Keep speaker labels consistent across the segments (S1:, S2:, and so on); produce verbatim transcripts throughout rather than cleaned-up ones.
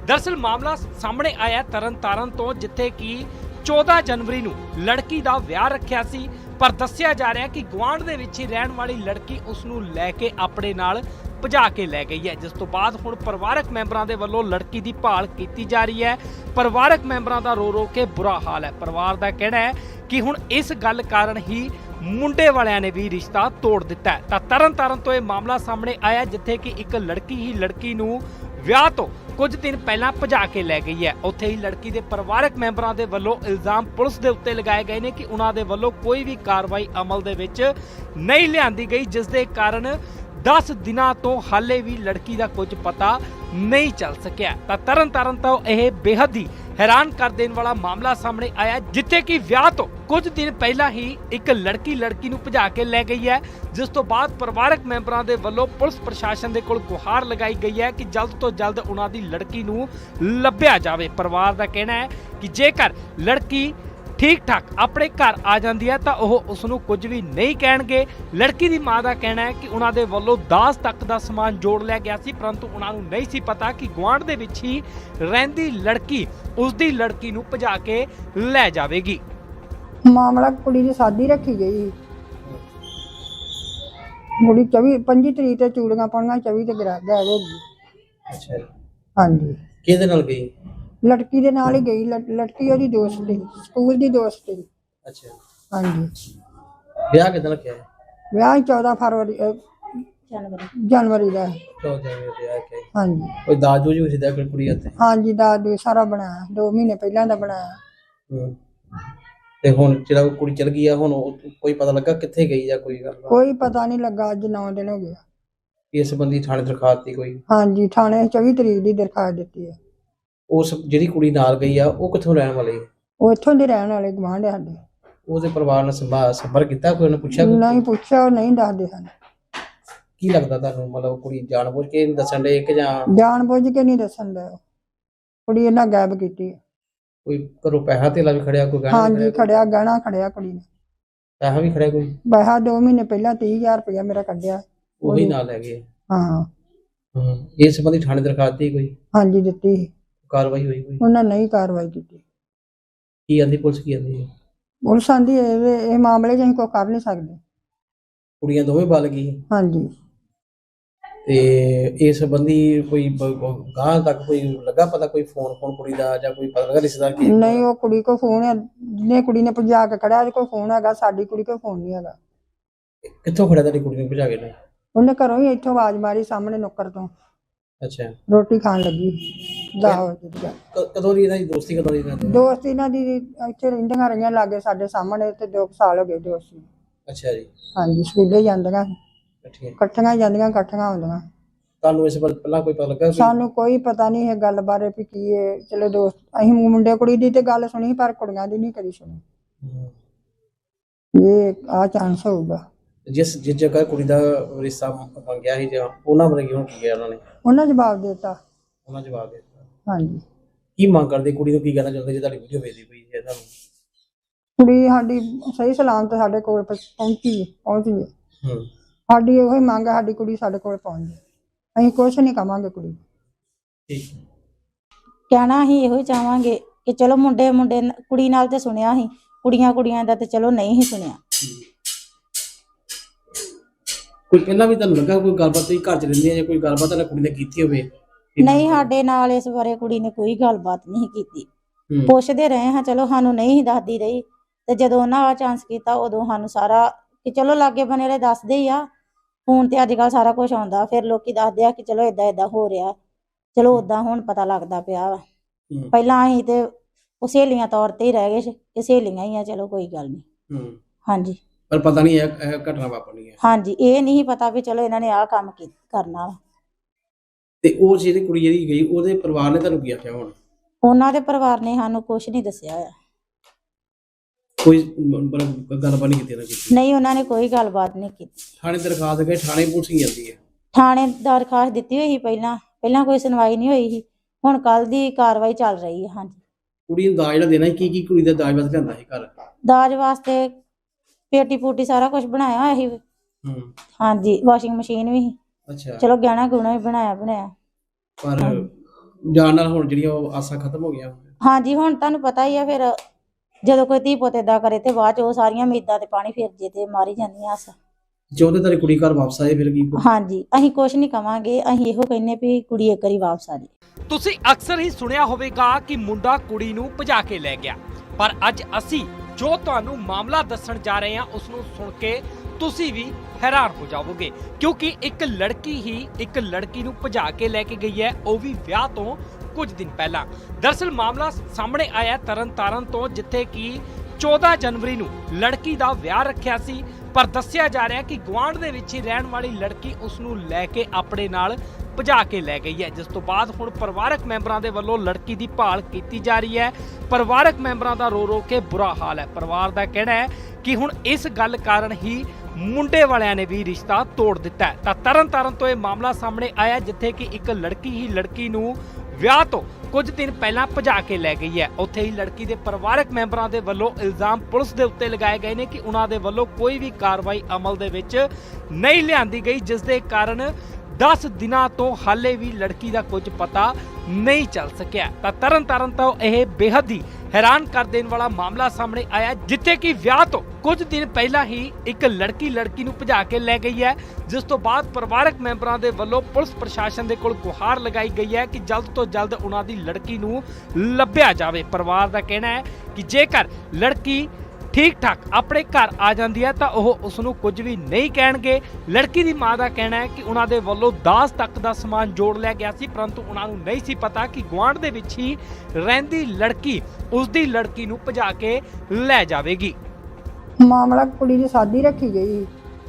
S1: दरअसल मामला सामने आया तरन तारण तो, जिथे कि चौदह जनवरी ਨੂੰ ਲੜਕੀ ਦਾ ਵਿਆਹ ਰੱਖਿਆ ਸੀ, ਪਰ ਦੱਸਿਆ ਜਾ ਰਿਹਾ ਕਿ ਗੁਆਂਢ ਦੇ ਵਿੱਚ ਹੀ ਰਹਿਣ ਵਾਲੀ ਲੜਕੀ ਉਸ ਨੂੰ ਲੈ ਕੇ ਆਪਣੇ ਨਾਲ ਭਜਾ ਕੇ ਲੈ ਗਈ ਹੈ, ਜਿਸ ਤੋਂ ਬਾਅਦ ਹੁਣ ਪਰਿਵਾਰਕ ਮੈਂਬਰਾਂ ਦੇ ਵੱਲੋਂ ਲੜਕੀ ਦੀ ਭਾਲ ਕੀਤੀ ਜਾ ਰਹੀ ਹੈ। ਪਰਿਵਾਰਕ ਮੈਂਬਰਾਂ ਦਾ ਰੋ ਰੋ ਕੇ ਬੁਰਾ ਹਾਲ ਹੈ। ਪਰਿਵਾਰ ਦਾ ਕਹਿਣਾ ਹੈ ਕਿ ਹੁਣ ਇਸ ਗੱਲ ਕਾਰਨ ਹੀ ਮੁੰਡੇ ਵਾਲਿਆਂ ਨੇ ਵੀ ਰਿਸ਼ਤਾ ਤੋੜ ਦਿੱਤਾ ਹੈ। ਤਾਂ ਤਰਨ ਤਾਰਨ ਤੋਂ ਇਹ ਮਾਮਲਾ ਸਾਹਮਣੇ ਆਇਆ, ਜਿੱਥੇ ਕਿ ਇੱਕ ਲੜਕੀ ਹੀ ਲੜਕੀ ਨੂੰ ਵਿਆਹ ਤੋਂ ਕੁਝ ਦਿਨ ਪਹਿਲਾਂ ਭਜਾ ਕੇ ਲੈ ਗਈ ਹੈ। ਉੱਥੇ ਹੀ ਲੜਕੀ ਦੇ ਪਰਿਵਾਰਕ ਮੈਂਬਰਾਂ ਦੇ ਵੱਲੋਂ ਇਲਜ਼ਾਮ ਪੁਲਿਸ ਦੇ ਉੱਤੇ ਲਗਾਏ ਗਏ ਨੇ ਕਿ ਉਹਨਾਂ ਦੇ ਵੱਲੋਂ ਕੋਈ ਵੀ ਕਾਰਵਾਈ ਅਮਲ ਦੇ ਵਿੱਚ ਨਹੀਂ ਲਿਆਂਦੀ ਗਈ, ਜਿਸ ਦੇ ਕਾਰਨ दस दिनों तो हाले भी लड़की का कुछ पता नहीं चल सकिया। तो तरन तारण तो यह बेहद ही हैरान कर देने वाला मामला सामने आया, जिथे कि ब्याह तो कुछ दिन पहला ही एक लड़की लड़की नूं भजा के लै गई है, जिस तो बाद परिवारक मैंबरां दे वल्लों पुलिस प्रशासन दे कोल गुहार लगाई गई है कि जल्द तो जल्द उन्हां दी लड़की नूं लभ्या जावे। परिवार दा कहना है कि जेकर लड़की ठीक ठाक अपने घर आ जाती है तो वह उसनूं कुछ भी नहीं कहणगे। लड़की की माँ का कहना है कि उन्होंने वालों दाज तक का समान जोड़ लिया गया सी, परंतु उन्होंने नहीं सी पता कि गुआढ़ दे विच ही रहिंदी लड़की उसकी लड़की नूं भजा के लै जावेगी।
S2: मामला कुड़ी की शादी रखी गई, कुड़ी चौबी पंजी तरीक से चूड़ियां पाउणियां, चौबी ते गायब हो गई।
S3: अच्छा
S2: हाँ जी,
S3: किहदे नाल गई?
S2: लड़की दे नाल ही गई। लड़- लड़की ओदी दोस्त थी, स्कूल दी दोस्त थी।
S3: अच्छा
S2: हाँ जी,
S3: ब्याह किदां रखिया है?
S2: ब्याह चौदह फरवरी अ, जनवरी का।
S3: चौदह जनवरी ब्याह के
S2: हाँ जी,
S3: कोई दाज दूज भी सीधा कोई कुड़ी हत्थे?
S2: हाँ जी, दाद सारा बनाया, दो महीने पहला दा बनाया।
S3: हम्म ते हुण जेड़ा कुड़ी चल गई है, हुण ओ- कोई पता लगा कित्थे गई या कोई गल
S2: कोई पता नहीं लगा, अज नौ दिन हो गया।
S3: इस संबंधी थाने दरखास्त दी कोई?
S2: हाँ जी, थाने चौबी तरीक की दरखास्त दी है।
S3: उस जिहड़ी कुड़ी नाल गई आ ओ कित्थों रहण वाली है?
S2: वो इत्थों दे रहने वाले गुआंढ साडे।
S3: ਉਹਦੇ ਪਰਿਵਾਰ ਨਾਲ ਸੰਭਾ ਸੰਪਰਕ ਕੀਤਾ? ਕੋਈ ਉਹਨੇ ਪੁੱਛਿਆ?
S2: नहीं पूछा, वो नहीं दसदे सन।
S3: ਕੀ ਲੱਗਦਾ ਤੁਹਾਨੂੰ, ਮਤਲਬ ਕੁੜੀ ਜਾਣਬੁੱਝ ਕੇ ਨਹੀਂ ਦੱਸਣ ਦੇ ਕਿ ਜਾਂ
S2: जान बुझ के नहीं दसन दे, कुड़ी इन्हां गायब की।
S3: ਕੋਈ ਘਰੋਂ ਪੈਸਾ ਧੇਲਾ ਵੀ ਖੜਿਆ, ਕੋਈ ਗਹਿਣਾ
S2: हाँ
S3: ਵੀ
S2: जी,
S3: ਖੜਿਆ,
S2: खड़िया गहना खड़िया कुड़ी ने।
S3: ਪੈਸਾ ਵੀ ਖੜਿਆ ਕੋਈ?
S2: पैसा दो महीने पहला तीह हजार रुपया मेरा कढ़िया।
S3: ਉਹੀ ਨਾਲ ਲੈ ਗਏ?
S2: हाँ
S3: ਹੂੰ ਇਸ ਸੰਬੰਧੀ ਥਾਣੇ ਦਰਖਾਸਤ ਦੀ ਕੋਈ
S2: हाँ जी, दिती।
S3: ਕਾਰਵਾਈ होई कोई?
S2: उन्हें नहीं कार्रवाई की।
S3: ਕੀ ਆਂਦੀ ਪੁਲਿਸ, ਕੀ ਆਂਦੀ?
S2: पुलिस आंदी ये मामले च असीं कोई कर नहीं सकते।
S3: ਕੁੜੀਆਂ ਦੋਵੇਂ ਬਲ ਗਈ
S2: हाँ जी,
S3: ਤੇ ਇਸ ਸੰਬੰਧੀ ਕੋਈ ਗਾਂ ਤੱਕ ਕੋਈ ਲੱਗਾ ਪਤਾ, ਕੋਈ ਫੋਨ ਫੋਨ ਕੁੜੀ ਦਾ ਜਾਂ ਕੋਈ ਪਤਾ ਲੱਗਾ ਰਿਸ਼ਤੇਦਾਰ ਕੀ?
S2: नहीं वो कुड़ी को फोन है, जिन्हें कुड़ी ने भजा के खड़ा कोई फोन है, साडी कुड़ी को फोन नहीं है।
S3: ਕਿੱਥੋਂ ਖੜਿਆ ਤੁਹਾਡੀ ਕੁੜੀ ਨੂੰ ਭਜਾ ਕੇ ਲੈ?
S2: उन्हें घरों ही इत्थों आवाज मारी सामने नुक्कर तो,
S3: ਅੱਛਾ
S2: रोटी खान लगी। दस बजे दी।
S3: ਕ- ਕਦੋਂ ਦੀ ਇਹਨਾਂ ਦੀ ਦੋਸਤੀ, ਕਦੋਂ ਦੀ ਇਹਨਾਂ ਦੀ?
S2: दोस्त इन्हां दी इत्थे रहिंदियां रहियां लागे साडे सामने ते दो कुछ साल हो गए दोस्ती।
S3: ਅੱਛਾ ਜੀ,
S2: हाँ जी, स्कूले जांदियां,
S3: ਠੀਕ ਹੈ।
S2: इकट्ठियां जांदियां, इकट्ठियां आउंदियां।
S3: ਤੁਹਾਨੂੰ ਇਸ ਬਾਰੇ ਪਹਿਲਾਂ ਕੋਈ ਪਤਾ ਲੱਗਾ ਕੋਈ?
S2: सानू कोई पता नहीं है गल बारे भी की है। चलो दोस्त असीं मुंडे कुड़ी दी ते गल सुनी, पर कुड़ियां दी नहीं कदी सुनी।
S3: ਹੂੰ।
S2: ये आ चांस होगा।
S3: ਜਿਸ ਜਿਸ ਜਗ੍ਹਾ ਕੁੜੀ ਦਾ ਰਿਸ਼ਤਾ ਮੰਗਿਆ ਸੀ ਜਾਂ ਉਹਨਾਂ ਬਾਰੇ ਕਿਉਂ ਕੀ ਗਿਆ ਉਹਨਾਂ ਨੇ?
S2: उन्हें जवाब देता।
S3: ਉਹਨਾਂ ਜਵਾਬ ਦੇ ਦਿੱਤਾ।
S2: हाँ जी,
S3: ਕੀ ਮੰਗ ਕਰਦੇ, ਕੁੜੀ ਨੂੰ ਕੀ ਕਹਿਣਾ ਚਾਹੁੰਦੇ ਜੇ ਤੁਹਾਡੀ ਵੀਡੀਓ ਵੇਖਦੀ ਪਈ ਹੈ ਤੁਹਾਨੂੰ?
S2: कुड़ी साडी सही सलामत साडे कोल पहुंची पहुंची है।
S3: ਹੂੰ
S2: साडी ओही मंग है, साडी कुड़ी साडे कोल पहुंच जाए। असीं कुछ नहीं कवांगे कुड़ी।
S3: ਠੀਕ ਹੈ।
S4: ਕਹਿਣਾ ਅਸੀਂ ਇਹੋ ਹੀ ਚਾਹਾਂਗੇ ਕਿ ਚਲੋ ਮੁੰਡੇ ਮੁੰਡੇ ਨ- ਕੁੜੀ ਨਾਲ ਤੇ ਸੁਣਿਆ ਸੀ, ਕੁੜੀਆਂ ਕੁੜੀਆਂ ਦਾ ਤੇ ਚਲੋ ਨਹੀਂ ਹੀ ਸੁਣਿਆ।
S3: ਕੋਈ ਪਹਿਲਾਂ ਵੀ ਤੁਹਾਨੂੰ ਲੱਗਾ ਕੋਈ ਗੱਲਬਾਤ, ਤੁਸੀਂ ਘਰ ਚ ਰਹਿੰਦੇ ਆ ਜਾਂ ਕੋਈ ਗੱਲਬਾਤ ਤੁਹਾਡੀ ਕੁੜੀ ਨੇ ਕੀਤੀ ਹੋਵੇ?
S4: ਨਹੀਂ, ਸਾਡੇ ਨਾਲ ਇਸ ਬਾਰੇ ਕੁੜੀ ਨੇ ਕੋਈ ਗੱਲਬਾਤ ਨਹੀਂ ਕੀਤੀ।
S3: ਹੂੰ।
S4: ਪੁੱਛਦੇ ਰਹੇ ਹਾਂ, ਚਲੋ ਸਾਨੂੰ ਨਹੀਂ ਹੀ ਦੱਸਦੀ ਰਹੀ, ਤੇ ਜਦੋਂ ਉਹਨਾਂ ਆ ਚਾਂਸ ਕੀਤਾ ਉਦੋਂ ਸਾਨੂੰ ਸਾਰਾ ਕਿ ਚਲੋ ਲਾਗੇ ਬਨੇ ਵਾਲੇ ਦੱਸਦੇ ਹੀ ਆ। ਫੋਨ ਤੇ ਅੱਜ ਕੱਲ ਸਾਰਾ ਕੁਝ ਆਉਂਦਾ, ਫਿਰ ਲੋਕੀ ਦੱਸਦੇ ਆ ਕਿ ਚਲੋ ਏਦਾਂ ਏਦਾਂ ਹੋ ਰਿਹਾ। ਚਲੋ ਓਦਾਂ ਹੁਣ ਪਤਾ ਲੱਗਦਾ ਪਿਆ ਵਾ।
S3: ਹੂੰ।
S4: ਪਹਿਲਾਂ ਅਸੀਂ ਤੇ ਉਹ ਸਹੇਲੀਆਂ ਤੌਰ ਤੇ ਹੀ ਰਹਿ ਗਏ ਸੀ ਕਿ ਸਹੇਲੀਆਂ ਹੀ ਆ, ਚਲੋ ਕੋਈ ਗੱਲ ਨਹੀਂ।
S3: ਹੂੰ।
S4: ਹਾਂਜੀ
S3: ਪਰ ਪਤਾ ਨਹੀਂ ਇਹ ਇਹ ਘਟਨਾ ਵਾਪਰਨੀ ਹੈ।
S4: ਹਾਂਜੀ, ਇਹ ਨਹੀਂ ਪਤਾ ਵੀ ਚਲੋ ਇਹਨਾਂ ਨੇ ਆਹ ਕੰਮ ਕੀ ਕਰਨਾ ਵਾ।
S3: ਤੇ ਉਹ ਜਿਹੜੀ ਕੁੜੀ ਜਿਹੜੀ ਗਈ ਉਹਦੇ ਪਰਿਵਾਰ ਨੇ ਤੁਹਾਨੂੰ ਕੀ ਆਖਿਆ ਹੁਣ?
S4: ਉਹਨਾਂ ਦੇ ਪਰਿਵਾਰ ਨੇ ਸਾਨੂੰ ਕੁਝ ਨਹੀਂ ਦੱਸਿਆ ਹੋਇਆ।
S3: ਕੋਈ ਮਤਲਬ ਗੱਲਬਾਤ ਨਹੀਂ ਕੀਤੀ ਨਾ ਕੀਤੀ?
S4: ਨਹੀਂ, ਉਹਨਾਂ ਨੇ ਕੋਈ ਗੱਲਬਾਤ ਨਹੀਂ ਕੀਤੀ।
S3: ਥਾਣੇ ਦਰਖਾਸਤ ਗਏ, ਥਾਣੇ ਪੁਲਿਸ ਹੀ ਜਾਂਦੀ ਹੈ?
S4: ਥਾਣੇ ਦਰਖਾਸਤ ਦਿੱਤੀ ਹੋਈ ਸੀ ਪਹਿਲਾਂ, ਪਹਿਲਾਂ ਕੋਈ ਸੁਣਵਾਈ ਨਹੀਂ ਹੋਈ ਸੀ। ਹੁਣ ਕੱਲ ਦੀ ਕਾਰਵਾਈ ਚੱਲ ਰਹੀ ਹੈ। ਹਾਂਜੀ,
S3: ਕੁੜੀ ਨੂੰ ਦਾਜ ਜਿਹੜਾ ਦੇਣਾ ਸੀ, ਕੀ ਕੀ ਕੁੜੀ ਦਾ ਦਾਜ ਵਾਸਤੇ ਲਿਆਂਦਾ ਸੀ ਘਰ?
S4: ਦਾਜ ਵਾਸਤੇ ਪੇਟੀ ਪੂਟੀ ਸਾਰਾ ਕੁਝ ਬਣਾਇਆ ਹੋਇਆ ਸੀ।
S3: ਹੂੰ।
S4: ਹਾਂਜੀ, ਵਾਸ਼ਿੰਗ ਮਸ਼ੀਨ ਵੀ ਸੀ।
S3: ਅੱਛਾ।
S4: ਚਲੋ ਗਹਿਣਾ ਗੁਣਾ ਵੀ ਬਣਾਇਆ ਬਣਾਇਆ।
S3: ਪਰ ਜਾਣ ਨਾਲ ਹੁਣ ਜਿਹੜੀਆਂ ਉਹ ਆਸਾਂ ਖਤਮ ਹੋ ਗਈਆਂ।
S4: ਹਾਂਜੀ ਹੁਣ ਤੁਹਾਨੂੰ ਪਤਾ ਹੀ ਆ ਫਿਰ ਜਦੋਂ ਕੋਈ ਧੀ ਪੁੱਤ ਏਦਾਂ ਕਰੇ ਤੇ ਬਾਅਦ ਚ ਉਹ ਸਾਰੀਆਂ ਉਮੀਦਾਂ ਤੇ ਪਾਣੀ ਫਿਰ ਜੇ ਤੇ ਮਾਰੀ ਜਾਂਦੀਆਂ ਆਸਾਂ।
S3: ਚਾਹੁੰਦੇ ਤੇਰੀ ਕੁੜੀ ਘਰ ਵਾਪਸ ਆਏ ਫਿਰ ਕੀ?
S4: ਹਾਂਜੀ ਅਸੀਂ ਕੁਛ ਨਹੀਂ ਕਵਾਂਗੇ, ਅਸੀਂ ਇਹੋ ਕਹਿੰਨੇ ਵੀ ਕੁੜੀ ਇੱਕ ਵਾਰੀ ਵਾਪਸ ਆ ਜੇ।
S1: ਤੁਸੀਂ ਅਕਸਰ ਹੀ ਸੁਣਿਆ ਹੋਵੇਗਾ ਕਿ ਮੁੰਡਾ ਕੁੜੀ ਨੂੰ ਭਜਾ ਕੇ ਲੈ ਗਿਆ, ਪਰ ਅੱਜ ਅਸੀਂ ਜੋ ਤੁਹਾਨੂੰ ਮਾਮਲਾ ਦੱਸਣ ਜਾ ਰਹੇ ਹਾਂ ਉਸ ਨੂੰ ਸੁਣ ਕੇ ਤੁਸੀਂ ਵੀ ਹੈਰਾਨ ਹੋ ਜਾਵੋਗੇ, ਕਿਉਂਕਿ ਇੱਕ ਲੜਕੀ ਹੀ ਇੱਕ ਲੜਕੀ ਨੂੰ ਭਜਾ ਕੇ ਲੈ ਕੇ ਗਈ ਹੈ, ਉਹ ਵੀ ਵਿਆਹ ਤੋਂ ਕੁਝ ਦਿਨ ਪਹਿਲਾਂ। ਦਰਅਸਲ ਮਾਮਲਾ ਸਾਹਮਣੇ ਆਇਆ ਤਰਨਤਾਰਨ ਤੋਂ, ਜਿੱਥੇ ਕਿ ਚੌਦਾਂ ਜਨਵਰੀ ਨੂੰ ਲੜਕੀ ਦਾ ਵਿਆਹ ਰੱਖਿਆ ਸੀ, ਪਰ ਦੱਸਿਆ ਜਾ ਰਿਹਾ ਕਿ ਗੁਆਂਢ ਦੇ ਵਿੱਚ ਹੀ ਰਹਿਣ ਵਾਲੀ ਲੜਕੀ ਉਸ ਨੂੰ ਲੈ ਕੇ ਆਪਣੇ ਨਾਲ ਭਜਾ ਕੇ ਲੈ ਗਈ ਹੈ, ਜਿਸ ਤੋਂ ਬਾਅਦ ਹੁਣ ਪਰਿਵਾਰਕ ਮੈਂਬਰਾਂ ਦੇ ਵੱਲੋਂ ਲੜਕੀ ਦੀ ਭਾਲ ਕੀਤੀ ਜਾ ਰਹੀ ਹੈ। ਪਰਿਵਾਰਕ ਮੈਂਬਰਾਂ ਦਾ ਰੋ ਰੋ ਕੇ ਬੁਰਾ ਹਾਲ ਹੈ। ਪਰਿਵਾਰ ਦਾ ਕਹਿਣਾ ਹੈ ਕਿ ਹੁਣ ਇਸ ਗੱਲ ਕਾਰਨ ਹੀ ਮੁੰਡੇ ਵਾਲਿਆਂ ਨੇ ਵੀ ਰਿਸ਼ਤਾ ਤੋੜ ਦਿੱਤਾ ਹੈ। ਤਾਂ ਤਰਨ ਤਾਰਨ ਤੋਂ ਇਹ ਮਾਮਲਾ ਸਾਹਮਣੇ ਆਇਆ, ਜਿੱਥੇ ਕਿ ਇੱਕ ਲੜਕੀ ਹੀ ਲੜਕੀ ਨੂੰ ਵਿਆਹ ਤੋਂ ਕੁਝ ਦਿਨ ਪਹਿਲਾਂ ਭਜਾ ਕੇ ਲੈ ਗਈ ਹੈ। ਉੱਥੇ ਹੀ ਲੜਕੀ ਦੇ ਪਰਿਵਾਰਕ ਮੈਂਬਰਾਂ ਦੇ ਵੱਲੋਂ ਇਲਜ਼ਾਮ ਪੁਲਿਸ ਦੇ ਉੱਤੇ ਲਗਾਏ ਗਏ ਨੇ ਕਿ ਉਹਨਾਂ ਦੇ ਵੱਲੋਂ ਕੋਈ ਵੀ ਕਾਰਵਾਈ ਅਮਲ ਦੇ ਵਿੱਚ ਨਹੀਂ ਲਿਆਂਦੀ ਗਈ, ਜਿਸ ਦੇ ਕਾਰਨ ਦਸ ਦਿਨਾਂ ਤੋਂ ਹਾਲੇ ਵੀ ਲੜਕੀ ਦਾ ਕੁਝ ਪਤਾ ਨਹੀਂ ਚੱਲ ਸਕਿਆ। ਤਾਂ ਤਰਨ ਤਾਰਨ ਤੋਂ ਇਹ ਬੇਹੱਦ ਹੀ ਹੈਰਾਨ ਕਰ ਦੇਣ ਵਾਲਾ ਮਾਮਲਾ ਸਾਹਮਣੇ ਆਇਆ, ਜਿੱਥੇ ਕਿ ਵਿਆਹ ਤੋਂ ਕੁਝ ਦਿਨ ਪਹਿਲਾਂ ਹੀ ਇੱਕ ਲੜਕੀ ਲੜਕੀ ਨੂੰ ਭਜਾ ਕੇ ਲੈ ਗਈ ਹੈ, ਜਿਸ ਤੋਂ ਬਾਅਦ ਪਰਿਵਾਰਕ ਮੈਂਬਰਾਂ ਦੇ ਵੱਲੋਂ ਪੁਲਿਸ ਪ੍ਰਸ਼ਾਸਨ ਦੇ ਕੋਲ ਗੁਹਾਰ ਲਗਾਈ ਗਈ ਹੈ ਕਿ ਜਲਦ ਤੋਂ ਜਲਦ ਉਹਨਾਂ ਦੀ ਲੜਕੀ ਨੂੰ ਲੱਭਿਆ ਜਾਵੇ। ਪਰਿਵਾਰ ਦਾ ਕਹਿਣਾ ਹੈ ਕਿ ਜੇਕਰ ਲੜਕੀ ਠੀਕ ਠਾਕ ਆਪਣੇ ਘਰ ਆ ਜਾਂਦੀ ਹੈ ਤਾਂ ਉਹ ਉਸ ਨੂੰ ਕੁਝ ਵੀ ਨਹੀਂ ਕਹਿਣਗੇ। ਲੜਕੀ ਦੀ ਮਾਂ ਦਾ ਕਹਿਣਾ ਹੈ ਕਿ ਉਹਨਾਂ ਦੇ ਵੱਲੋਂ ਦਾਜ ਤੱਕ ਦਾ ਸਮਾਨ ਜੋੜ ਲਿਆ ਗਿਆ ਸੀ, ਪਰੰਤੂ ਉਹਨਾਂ ਨੂੰ ਨਹੀਂ ਸੀ ਪਤਾ ਕਿ ਗੁਆਂਢ ਦੇ ਵਿੱਚ ਹੀ ਰਹਿੰਦੀ ਲੜਕੀ ਉਸ ਦੀ ਲੜਕੀ ਨੂੰ ਭਜਾ ਕੇ ਲੈ ਜਾਵੇਗੀ।
S2: ਮਾਮਲਾ ਕੁੜੀ ਦੀ ਸ਼ਾਦੀ ਰੱਖੀ ਗਈ,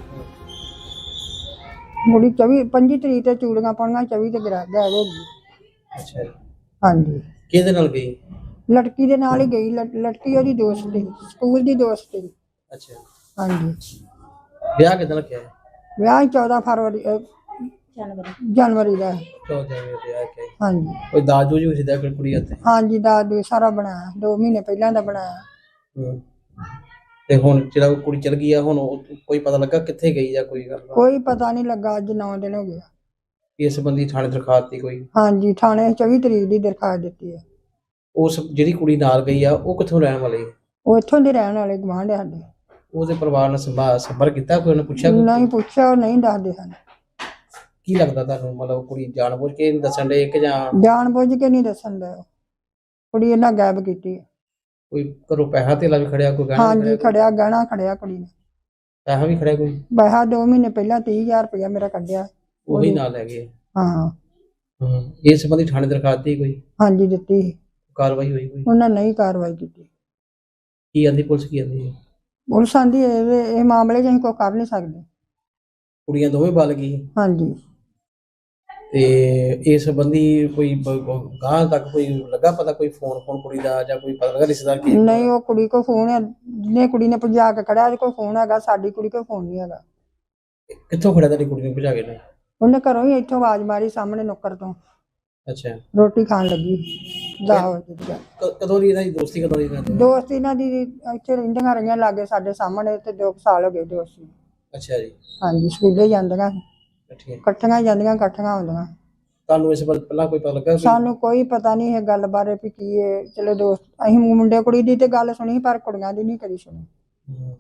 S2: ਕੁੜੀ ਚੌਵੀ ਪੰਜੀ ਤਰੀਕ ਤੇ ਚੂੜੀਆਂ ਪਾਉਣੀਆਂ, ਚੌਵੀ ਤੇ ਗਰਾ ਗਾਇਬ ਹੋ ਗਈ।
S3: ਅੱਛਾ ਜੀ।
S2: ਹਾਂਜੀ
S3: ਕਿਹਦੇ ਨਾਲ ਗਈ?
S2: ਲੜਕੀ ਦੇ ਨਾਲ ਹੀ ਗਈ। ਲੜ- ਲੜਕੀ ਉਹਦੀ ਦੋਸਤ ਸੀ, ਸਕੂਲ ਦੀ ਦੋਸਤ ਸੀ।
S3: ਅੱਛਾ।
S2: ਹਾਂਜੀ
S3: ਵਿਆਹ ਕਿਦਾਂ ਰੱਖਿਆ?
S2: ਵਿਆਹ ਚੌਦਾਂ ਫਰਵਰੀ ਅਹ,
S4: ਜਨਵਰੀ
S2: ਜਨਵਰੀ ਦਾ ਹੈ।
S3: ਚੌਦਾਂ ਜਨਵਰੀ ਵਿਆਹ ਕਿਹਾ।
S2: ਹਾਂਜੀ
S3: ਕੋਈ ਦਾਜ ਦੂਜ ਵੀ ਕੋਈ ਕੁੜੀ ਹੱਥੇ?
S2: ਹਾਂਜੀ ਦਾ ਦੋ ਸਾਰਾ ਬਣਾਇਆ, ਦੋ ਮਹੀਨੇ ਪਹਿਲਾਂ ਦਾ ਬਣਾਇਆ।
S3: ਹੂੰ। ਤੇ ਹੁਣ ਜਿਹੜਾ ਉਹ ਕੁੜੀ ਚਲ ਗਈ ਆ, ਹੁਣ ਉਹ ਕੋਈ ਪਤਾ ਲੱਗਾ ਕਿੱਥੇ ਗਈ ਜਾਂ ਕੋਈ ਗੱਲ?
S2: ਕੋਈ ਪਤਾ ਨਹੀਂ ਲੱਗਾ, ਅੱਜ ਨੌ ਦਿਨ ਹੋ ਗਏ।
S3: ਇਸ ਸੰਬੰਧੀ ਥਾਣੇ ਦਰਖਾਸਤ ਦਿੱਤੀ ਕੋਈ?
S2: ਹਾਂਜੀ ਥਾਣੇ ਚੌਵੀ ਤਰੀਕ ਦੀ ਦਰਖਾਸਤ ਦਿੱਤੀ ਹੈ।
S3: ਉਸ ਜਿਹੜੀ ਕੁੜੀ ਨਾਲ ਗਈ ਆ ਉਹ ਕਿੱਥੋਂ ਰਹਿਣ ਵਾਲੀ?
S2: ਉਹ ਇੱਥੋਂ ਦੇ ਰਹਿਣ ਵਾਲੇ ਗੁਆਂਢ ਸਾਡੇ।
S3: ਉਹਦੇ ਪਰਿਵਾਰ ਨਾਲ ਸੰਭਾ ਸੰਪਰਕ ਕੀਤਾ ਕੋਈ? ਉਹਨੇ ਪੁੱਛਿਆ ਕੋਈ?
S2: ਨਹੀਂ ਪੁੱਛਿਆ, ਉਹ ਨਹੀਂ ਦੱਸਦੇ ਹਨ।
S3: ਕੀ ਲੱਗਦਾ ਤੁਹਾਨੂੰ, ਮਤਲਬ ਕੁੜੀ ਜਾਣਬੁੱਝ ਕੇ ਨਹੀਂ ਦੱਸਣ ਦੇ ਕਿ ਜਾਂ
S2: ਜਾਣ ਬੁੱਝ ਕੇ ਨਹੀਂ ਦੱਸਣ ਦਾ, ਕੁੜੀ ਇਹਨਾਂ ਗਾਇਬ ਕੀਤੀ ਹੈ।
S3: ਕੋਈ ਘਰੋਂ ਪੈਸਾ ਧੇਲਾ ਵੀ ਖੜਿਆ, ਕੋਈ ਗਹਿਣਾ ਵੀ
S2: ਹਾਂਜੀ
S3: ਖੜਿਆ?
S2: ਖੜਿਆ, ਗਹਿਣਾ ਖੜਿਆ ਕੁੜੀ ਨੇ।
S3: ਪੈਸਾ ਵੀ ਖੜਿਆ ਕੋਈ?
S2: ਪੈਸਾ ਦੋ ਮਹੀਨੇ ਪਹਿਲਾਂ ਤੀਹ ਹਜ਼ਾਰ ਰੁਪਇਆ ਮੇਰਾ ਕੱਢਿਆ।
S3: ਉਹੀ ਨਾਲ ਲੈ ਗਏ?
S2: ਹਾਂ
S3: ਹੂੰ। ਇਸ ਸੰਬੰਧੀ ਥਾਣੇ ਦਰਖਾਸਤ ਦਿੱਤੀ ਕੋਈ?
S2: ਹਾਂਜੀ ਦਿੱਤੀ ਸੀ।
S3: ਕਾਰਵਾਈ ਹੋਈ ਕੋਈ?
S2: ਉਹਨਾਂ ਨਹੀਂ ਕਾਰਵਾਈ ਕੀਤੀ।
S3: ਕੀ ਆਂਦੀ ਪੁਲਿਸ, ਕੀ ਆਂਦੀ?
S2: ਪੁਲਿਸ ਆਂਦੀ ਇਹ ਇਹ ਮਾਮਲੇ 'ਚ ਅਸੀਂ ਕੋਈ ਕਰ ਨਹੀਂ ਸਕਦੇ।
S3: ਕੁੜੀਆਂ ਦੋਵੇਂ ਬਲ ਗਈ
S2: ਹਾਂਜੀ
S3: ਤੇ ਇਸ ਸੰਬੰਧੀ ਕੋਈ ਗਾਂ ਤੱਕ ਕੋਈ ਲੱਗਾ ਪਤਾ, ਕੋਈ ਫੋਨ ਫੋਨ ਕੁੜੀ ਦਾ ਜਾਂ ਕੋਈ ਪਤਾ ਲੱਗਾ ਰਿਸ਼ਤੇਦਾਰ ਕੀ?
S2: ਨਹੀਂ ਉਹ ਕੁੜੀ ਕੋ ਫੋਨ ਹੈ, ਜਿਹਨੇ ਕੁੜੀ ਨੇ ਭਜਾ ਕੇ ਖੜਿਆ ਉਹਦੇ ਕੋਲ ਫੋਨ ਹੈਗਾ, ਸਾਡੀ ਕੁੜੀ ਕੋਲ ਫੋਨ ਨਹੀਂ ਹੈਗਾ।
S3: ਕਿੱਥੋਂ ਖੜਿਆ ਤੁਹਾਡੀ ਕੁੜੀ ਨੂੰ ਭਜਾ ਕੇ ਨੇ?
S2: ਉਹਨੇ ਘਰੋਂ ਹੀ ਇੱਥੋਂ ਆਵਾਜ਼ ਮਾਰੀ ਸਾਹਮਣੇ ਨੁੱਕਰ ਤੋਂ,
S3: ਅੱਛਾ।
S2: ਰੋਟੀ ਖਾਣ ਲੱਗੀ। ਦਸ ਵਜੇ ਦੀ ਗੱਲ।
S3: ਕ- ਕਦੋਂ ਦੀ ਇਹਨਾਂ ਦੀ ਦੋਸਤੀ, ਕਦੋਂ ਦੀ ਇਹਨਾਂ ਦੀ?
S2: ਦੋਸਤ ਇਹਨਾਂ ਦੀ ਇੱਥੇ ਰਹਿੰਦੀਆਂ ਰਹੀਆਂ ਲਾਗੇ ਸਾਡੇ ਸਾਹਮਣੇ, ਤੇ ਦੋ ਕੁ ਸਾਲ ਹੋ ਗਏ ਦੋਸਤੀ।
S3: ਅੱਛਾ ਜੀ।
S2: ਹਾਂਜੀ ਸਕੂਲੇ ਜਾਂਦੀਆਂ,
S3: ਠੀਕ ਹੈ।
S2: ਇਕੱਠੀਆਂ ਜਾਂਦੀਆਂ, ਇਕੱਠੀਆਂ ਆਉਂਦੀਆਂ।
S3: ਤੁਹਾਨੂੰ ਇਸ ਬਾਰੇ ਪਹਿਲਾਂ ਕੋਈ ਪਤਾ ਲੱਗਾ? ਕੋਈ-
S2: ਸਾਨੂੰ ਕੋਈ ਪਤਾ ਨਹੀਂ ਇਹ ਗੱਲ ਬਾਰੇ ਵੀ ਕੀ ਹੈ। ਚਲੋ ਦੋਸਤ ਅਸੀਂ ਮੁੰਡੇ ਕੁੜੀ ਦੀ ਤੇ ਗੱਲ ਸੁਣੀ, ਪਰ ਕੁੜੀਆਂ ਦੀ ਨਹੀਂ ਕਦੀ ਸੁਣੀ।
S3: ਹੂੰ।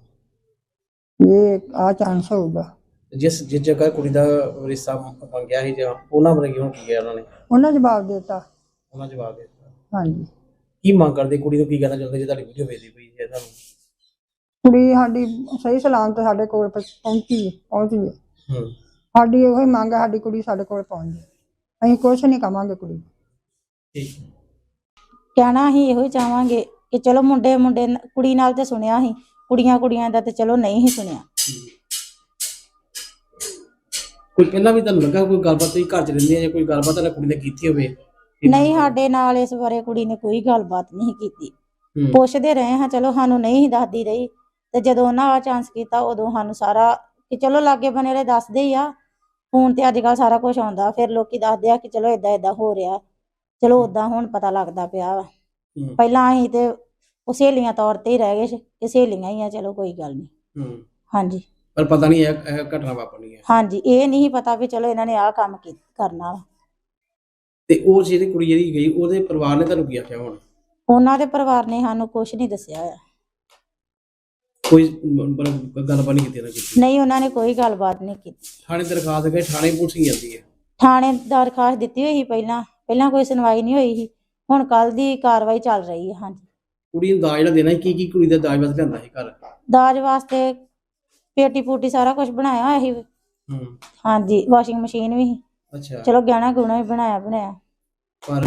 S2: ਇਹ ਆ ਚਾਂਸ ਹੋਊਗਾ।
S3: ਜਿਸ ਜਿਸ ਜਗ੍ਹਾ ਕੁੜੀ ਦਾ ਰਿਸ਼ਤਾ ਮੰਗਿਆ ਸੀ ਜਾਂ ਉਹਨਾਂ ਬਾਰੇ ਕਿਉਂ ਕੀ ਗਿਆ ਉਹਨਾਂ ਨੇ?
S2: ਉਹਨਾਂ ਜਵਾਬ ਦੇ ਦਿੱਤਾ।
S3: ਉਹਨਾਂ ਜਵਾਬ ਦੇ ਦਿੱਤਾ।
S2: ਹਾਂਜੀ
S3: ਕੀ ਮੰਗ ਕਰਦੇ ਕੁੜੀ ਨੂੰ, ਕੀ ਕਹਿਣਾ ਚਾਹੁੰਦੇ ਜੇ ਤੁਹਾਡੀ ਵੀਡੀਓ ਵੇਖਦੀ ਪਈ ਹੈ ਤੁਹਾਨੂੰ?
S2: ਕੁੜੀ ਸਾਡੀ ਸਹੀ ਸਲਾਮਤ ਸਾਡੇ ਕੋਲ ਪ- ਪਹੁੰਚੀ ਹੈ, ਪਹੁੰਚ ਗਈ ਹੈ।
S3: ਹੂੰ।
S2: ਸਾਡੀ ਉਹੀ ਮੰਗ ਹੈ, ਸਾਡੀ ਕੁੜੀ ਸਾਡੇ ਕੋਲ ਪਹੁੰਚ ਜਾਏ। ਅਸੀਂ ਕੁਛ ਨਹੀਂ ਕਵਾਂਗੇ ਕੁੜੀ ਨੂੰ।
S3: ਠੀਕ ਹੈ।
S4: ਕਹਿਣਾ ਅਸੀਂ ਇਹੋ ਹੀ ਚਾਹਾਂਗੇ ਕਿ ਚਲੋ ਮੁੰਡੇ ਮੁੰਡੇ ਨ- ਕੁੜੀ ਨਾਲ ਤੇ ਸੁਣਿਆ ਸੀ, ਕੁੜੀਆਂ ਕੁੜੀਆਂ ਦਾ ਤੇ ਚਲੋ ਨਹੀਂ ਹੀ ਸੁਣਿਆ।
S3: ਕੋਈ ਪਹਿਲਾਂ ਵੀ ਤੁਹਾਨੂੰ ਲੱਗਾ ਕੋਈ ਗੱਲਬਾਤ, ਤੁਸੀਂ ਘਰ ਚ ਰਹਿੰਦੀ ਹੈ ਜਾਂ ਕੋਈ ਗੱਲਬਾਤ ਤੁਹਾਡੀ ਕੁੜੀ ਨੇ ਕੀਤੀ ਹੋਵੇ?
S4: ਨਹੀਂ ਸਾਡੇ ਨਾਲ ਇਸ ਬਾਰੇ ਕੁੜੀ ਨੇ ਕੋਈ ਗੱਲਬਾਤ ਨਹੀਂ ਕੀਤੀ।
S3: ਹੂੰ।
S4: ਪੁੱਛਦੇ ਰਹੇ ਹਾਂ, ਚਲੋ ਸਾਨੂੰ ਨਹੀਂ ਸੀ ਦੱਸਦੀ ਰਹੀ, ਤੇ ਜਦੋਂ ਉਹਨਾਂ ਆ ਚਾਂਸ ਕੀਤਾ ਉਦੋਂ ਸਾਨੂੰ ਸਾਰਾ ਕਿ ਚਲੋ ਲਾਗੇ ਬਨੇ ਵਾਲੇ ਦੱਸਦੇ ਹੀ ਆ। ਫੋਨ ਤੇ ਅੱਜ ਕੱਲ ਸਾਰਾ ਕੁਝ ਆਉਂਦਾ, ਫਿਰ ਲੋਕੀ ਦੱਸਦੇ ਆ ਕਿ ਚਲੋ ਏਦਾਂ ਏਦਾਂ ਹੋ ਰਿਹਾ, ਚਲੋ ਓਦਾਂ ਹੁਣ ਪਤਾ ਲੱਗਦਾ ਪਿਆ ਵਾ।
S3: ਹੂੰ।
S4: ਪਹਿਲਾਂ ਅਸੀਂ ਤੇ ਉਹ ਸਹੇਲੀਆਂ ਤੌਰ ਤੇ ਹੀ ਰਹਿ ਗਏ ਸੀ ਕਿ ਸਹੇਲੀਆਂ ਹੀ ਆ, ਚਲੋ ਕੋਈ ਗੱਲ ਨਹੀਂ।
S3: ਹੂੰ।
S4: ਹਾਂਜੀ
S3: ਪਰ ਪਤਾ ਨਹੀਂ ਇਹ ਇਹ ਘਟਨਾ ਵਾਪਰਨੀ ਹੈ।
S4: ਹਾਂਜੀ ਇਹ ਨਹੀਂ ਪਤਾ ਵੀ ਚਲੋ ਇਹਨਾਂ ਨੇ ਆਹ ਕੰਮ ਕੀ ਕਰਨਾ ਵਾ।
S3: ਤੇ ਉਹ ਜਿਹੜੀ ਕੁੜੀ ਜਿਹੜੀ ਗਈ ਉਹਦੇ ਪਰਿਵਾਰ ਨੇ ਤੁਹਾਨੂੰ ਕੀ ਆਖਿਆ ਹੁਣ?
S4: ਉਹਨਾਂ ਦੇ ਪਰਿਵਾਰ ਨੇ ਸਾਨੂੰ ਕੁਝ ਨਹੀਂ ਦੱਸਿਆ ਹੋਇਆ।
S3: ਕੋਈ ਮਤਲਬ ਗੱਲਬਾਤ ਨਹੀਂ ਕੀਤੀ ਨਾ ਕੀਤੀ?
S4: ਨਹੀਂ, ਉਹਨਾਂ ਨੇ ਕੋਈ ਗੱਲਬਾਤ ਨਹੀਂ ਕੀਤੀ।
S3: ਥਾਣੇ ਦਰਖਾਸਤ ਗਏ, ਥਾਣੇ ਪੁਲਿਸ ਹੀ ਜਾਂਦੀ ਹੈ?
S4: ਥਾਣੇ ਦਰਖਾਸਤ ਦਿੱਤੀ ਹੋਈ ਸੀ ਪਹਿਲਾਂ ਪਹਿਲਾਂ ਕੋਈ ਸੁਣਵਾਈ ਨਹੀਂ ਹੋਈ ਸੀ। ਹੁਣ ਕੱਲ ਦੀ ਕਾਰਵਾਈ ਚੱਲ ਰਹੀ ਹੈ। ਹਾਂਜੀ,
S3: ਕੁੜੀ ਨੂੰ ਦਾਜ ਜਿਹੜਾ ਦੇਣਾ ਸੀ, ਕੀ ਕੀ ਕੁੜੀ ਦਾ ਦਾਜ ਵਾਸਤੇ ਲਿਆਂਦਾ ਸੀ ਘਰ?
S4: ਦਾਜ ਵਾਸਤੇ ਪੇਟੀ ਪੂਟੀ ਸਾਰਾ ਕੁਝ ਬਣਾਇਆ ਹੋਇਆ ਸੀ।
S3: ਹੂੰ।
S4: ਹਾਂਜੀ, ਵਾਸ਼ਿੰਗ ਮਸ਼ੀਨ ਵੀ ਸੀ।
S3: ਅੱਛਾ।
S4: ਚਲੋ ਗਹਿਣਾ ਗੁਣਾ ਵੀ ਬਣਾਇਆ ਬਣਾਇਆ।
S3: ਪਰ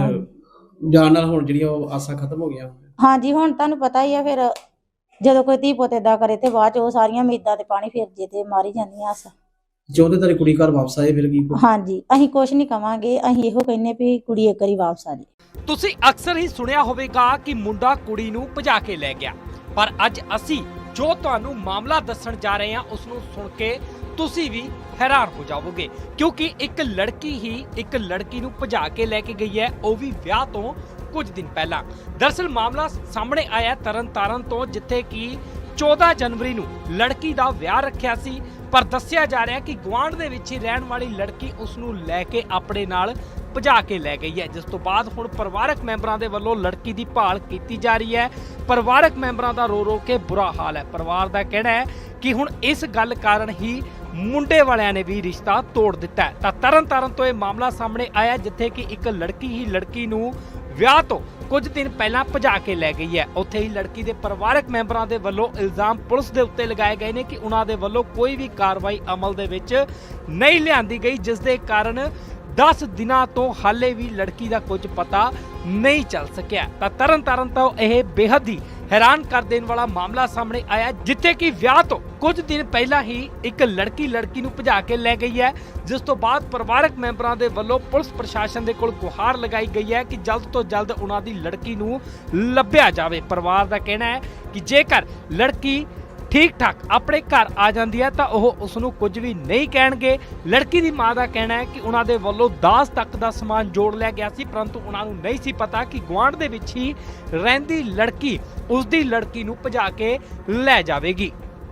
S3: ਜਾਣ ਨਾਲ ਹੁਣ ਜਿਹੜੀਆਂ ਉਹ ਆਸਾਂ ਖਤਮ ਹੋ ਗਈਆਂ।
S4: ਹਾਂਜੀ, ਹੁਣ ਤੁਹਾਨੂੰ ਪਤਾ ਹੀ ਆ, ਫਿਰ ਜਦੋਂ ਕੋਈ ਧੀ ਪੁੱਤ ਏਦਾਂ ਕਰੇ ਤੇ ਬਾਅਦ ਚ ਉਹ ਸਾਰੀਆਂ ਉਮੀਦਾਂ ਤੇ ਪਾਣੀ ਫਿਰ ਜੇ ਤੇ ਮਾਰੀ ਜਾਂਦੀਆਂ ਆਸਾਂ।
S3: ਚਾਹੁੰਦੇ ਤੇਰੀ ਕੁੜੀ ਘਰ ਵਾਪਸ ਆਏ, ਫਿਰ ਕੀ?
S4: ਹਾਂਜੀ, ਅਸੀਂ ਕੁਝ ਨਹੀਂ ਕਵਾਂਗੇ, ਅਸੀਂ ਇਹੋ ਕਹਿੰਨੇ ਵੀ ਕੁੜੀ ਇੱਕ ਵਾਰੀ ਵਾਪਸ ਆ ਜਾਏ।
S1: ਤੁਸੀਂ ਅਕਸਰ ਹੀ ਸੁਣਿਆ ਹੋਵੇਗਾ ਕਿ ਮੁੰਡਾ ਕੁੜੀ ਨੂੰ ਭਜਾ ਕੇ ਲੈ ਗਿਆ, ਪਰ ਅੱਜ ਅਸੀਂ ਜੋ ਤੁਹਾਨੂੰ ਮਾਮਲਾ ਦੱਸਣ ਜਾ ਰਹੇ ਹਾਂ ਉਸ ਨੂੰ ਸੁਣ ਕੇ ਤੁਸੀਂ ਵੀ ਹੈਰਾਨ ਹੋ ਜਾਵੋਗੇ, ਕਿਉਂਕਿ ਇੱਕ ਲੜਕੀ ਹੀ ਇੱਕ ਲੜਕੀ ਨੂੰ ਭਜਾ ਕੇ ਲੈ ਕੇ ਗਈ ਹੈ, ਉਹ ਵੀ ਵਿਆਹ ਤੋਂ ਕੁਝ ਦਿਨ ਪਹਿਲਾਂ। ਦਰਅਸਲ ਮਾਮਲਾ ਸਾਹਮਣੇ ਆਇਆ ਤਰਨਤਾਰਨ ਤੋਂ, ਜਿੱਥੇ ਕਿ ਚੌਦਾਂ ਜਨਵਰੀ ਨੂੰ ਲੜਕੀ ਦਾ ਵਿਆਹ ਰੱਖਿਆ ਸੀ, ਪਰ ਦੱਸਿਆ ਜਾ ਰਿਹਾ ਕਿ ਗੁਆਂਢ ਦੇ ਵਿੱਚ ਹੀ ਰਹਿਣ ਵਾਲੀ ਲੜਕੀ ਉਸ ਨੂੰ ਲੈ ਕੇ ਆਪਣੇ ਨਾਲ ਭਜਾ ਕੇ ਲੈ ਗਈ ਹੈ, ਜਿਸ ਤੋਂ ਬਾਅਦ ਹੁਣ ਪਰਿਵਾਰਕ ਮੈਂਬਰਾਂ ਦੇ ਵੱਲੋਂ ਲੜਕੀ ਦੀ ਭਾਲ ਕੀਤੀ ਜਾ ਰਹੀ ਹੈ। ਪਰਿਵਾਰਕ ਮੈਂਬਰਾਂ ਦਾ ਰੋ ਰੋ ਕੇ ਬੁਰਾ ਹਾਲ ਹੈ। ਪਰਿਵਾਰ ਦਾ ਕਹਿਣਾ ਹੈ ਕਿ ਹੁਣ ਇਸ ਗੱਲ ਕਾਰਨ ਹੀ ਮੁੰਡੇ ਵਾਲਿਆਂ ਨੇ ਵੀ ਰਿਸ਼ਤਾ ਤੋੜ ਦਿੱਤਾ ਹੈ। ਤਾਂ ਤਰਨਤਾਰਨ ਤੋਂ ਇਹ ਮਾਮਲਾ ਸਾਹਮਣੇ ਆਇਆ, ਜਿੱਥੇ ਕਿ ਇੱਕ ਲੜਕੀ ਹੀ ਲੜਕੀ ਨੂੰ ਵਿਆਹ ਤੋਂ ਕੁਝ ਦਿਨ ਪਹਿਲਾਂ ਭਜਾ ਕੇ ਲੈ ਗਈ ਹੈ। ਉੱਥੇ ਹੀ ਲੜਕੀ ਦੇ ਪਰਿਵਾਰਕ ਮੈਂਬਰਾਂ ਦੇ ਵੱਲੋਂ ਇਲਜ਼ਾਮ ਪੁਲਿਸ ਦੇ ਉੱਤੇ ਲਗਾਏ ਗਏ ਨੇ ਕਿ ਉਹਨਾਂ ਦੇ ਵੱਲੋਂ ਕੋਈ ਵੀ ਕਾਰਵਾਈ ਅਮਲ ਦੇ ਵਿੱਚ ਨਹੀਂ ਲਿਆਂਦੀ ਗਈ, ਜਿਸ ਦੇ ਕਾਰਨ ਦਸ ਦਿਨਾਂ ਤੋਂ ਹਾਲੇ ਵੀ ਲੜਕੀ ਦਾ ਕੁਝ ਪਤਾ ਨਹੀਂ ਚੱਲ ਸਕਿਆ। ਤਾਂ ਤਰਨਤਾਰਨ ਤੋਂ ਇਹ ਬੇਹੱਦ ਹੀ ਹੈਰਾਨ ਕਰ ਦੇਣ ਵਾਲਾ ਮਾਮਲਾ ਸਾਹਮਣੇ ਆਇਆ, ਜਿੱਥੇ ਕਿ ਵਿਆਹ ਤੋਂ ਕੁਝ ਦਿਨ ਪਹਿਲਾਂ ਹੀ ਇੱਕ ਲੜਕੀ ਲੜਕੀ ਨੂੰ ਭਜਾ ਕੇ ਲੈ ਗਈ ਹੈ, ਜਿਸ ਤੋਂ ਬਾਅਦ ਪਰਿਵਾਰਕ ਮੈਂਬਰਾਂ ਦੇ ਵੱਲੋਂ ਪੁਲਿਸ ਪ੍ਰਸ਼ਾਸਨ ਦੇ ਕੋਲ ਗੁਹਾਰ ਲਗਾਈ ਗਈ ਹੈ ਕਿ ਜਲਦ ਤੋਂ ਜਲਦ ਉਹਨਾਂ ਦੀ ਲੜਕੀ ਨੂੰ ਲੱਭਿਆ ਜਾਵੇ। ਪਰਿਵਾਰ ਦਾ ਕਹਿਣਾ ਹੈ ਕਿ ਜੇਕਰ ਲੜਕੀ ਠੀਕ ਠਾਕ ਆਪਣੇ ਘਰ ਆ ਜਾਂਦੀ ਹੈ ਤਾਂ ਉਹ ਉਸ ਨੂੰ ਕੁਝ ਵੀ ਨਹੀਂ ਕਹਿਣਗੇ। ਲੜਕੀ ਦੀ ਮਾਂ ਦਾ ਕਹਿਣਾ ਹੈ ਕਿ ਉਹਨਾਂ ਦੇ ਵੱਲੋਂ ਦਾਜ ਤੱਕ ਦਾ ਸਮਾਨ ਜੋੜ ਲਿਆ ਗਿਆ ਸੀ, ਪਰੰਤੂ ਉਹਨਾਂ ਨੂੰ ਨਹੀਂ ਸੀ ਪਤਾ ਕਿ ਗੁਆਂਢ ਦੇ ਵਿੱਚ ਹੀ ਰਹਿੰਦੀ ਲੜਕੀ ਉਸ ਦੀ ਲੜਕੀ ਨੂੰ ਭਜਾ ਕੇ ਲੈ ਜਾਵੇਗੀ।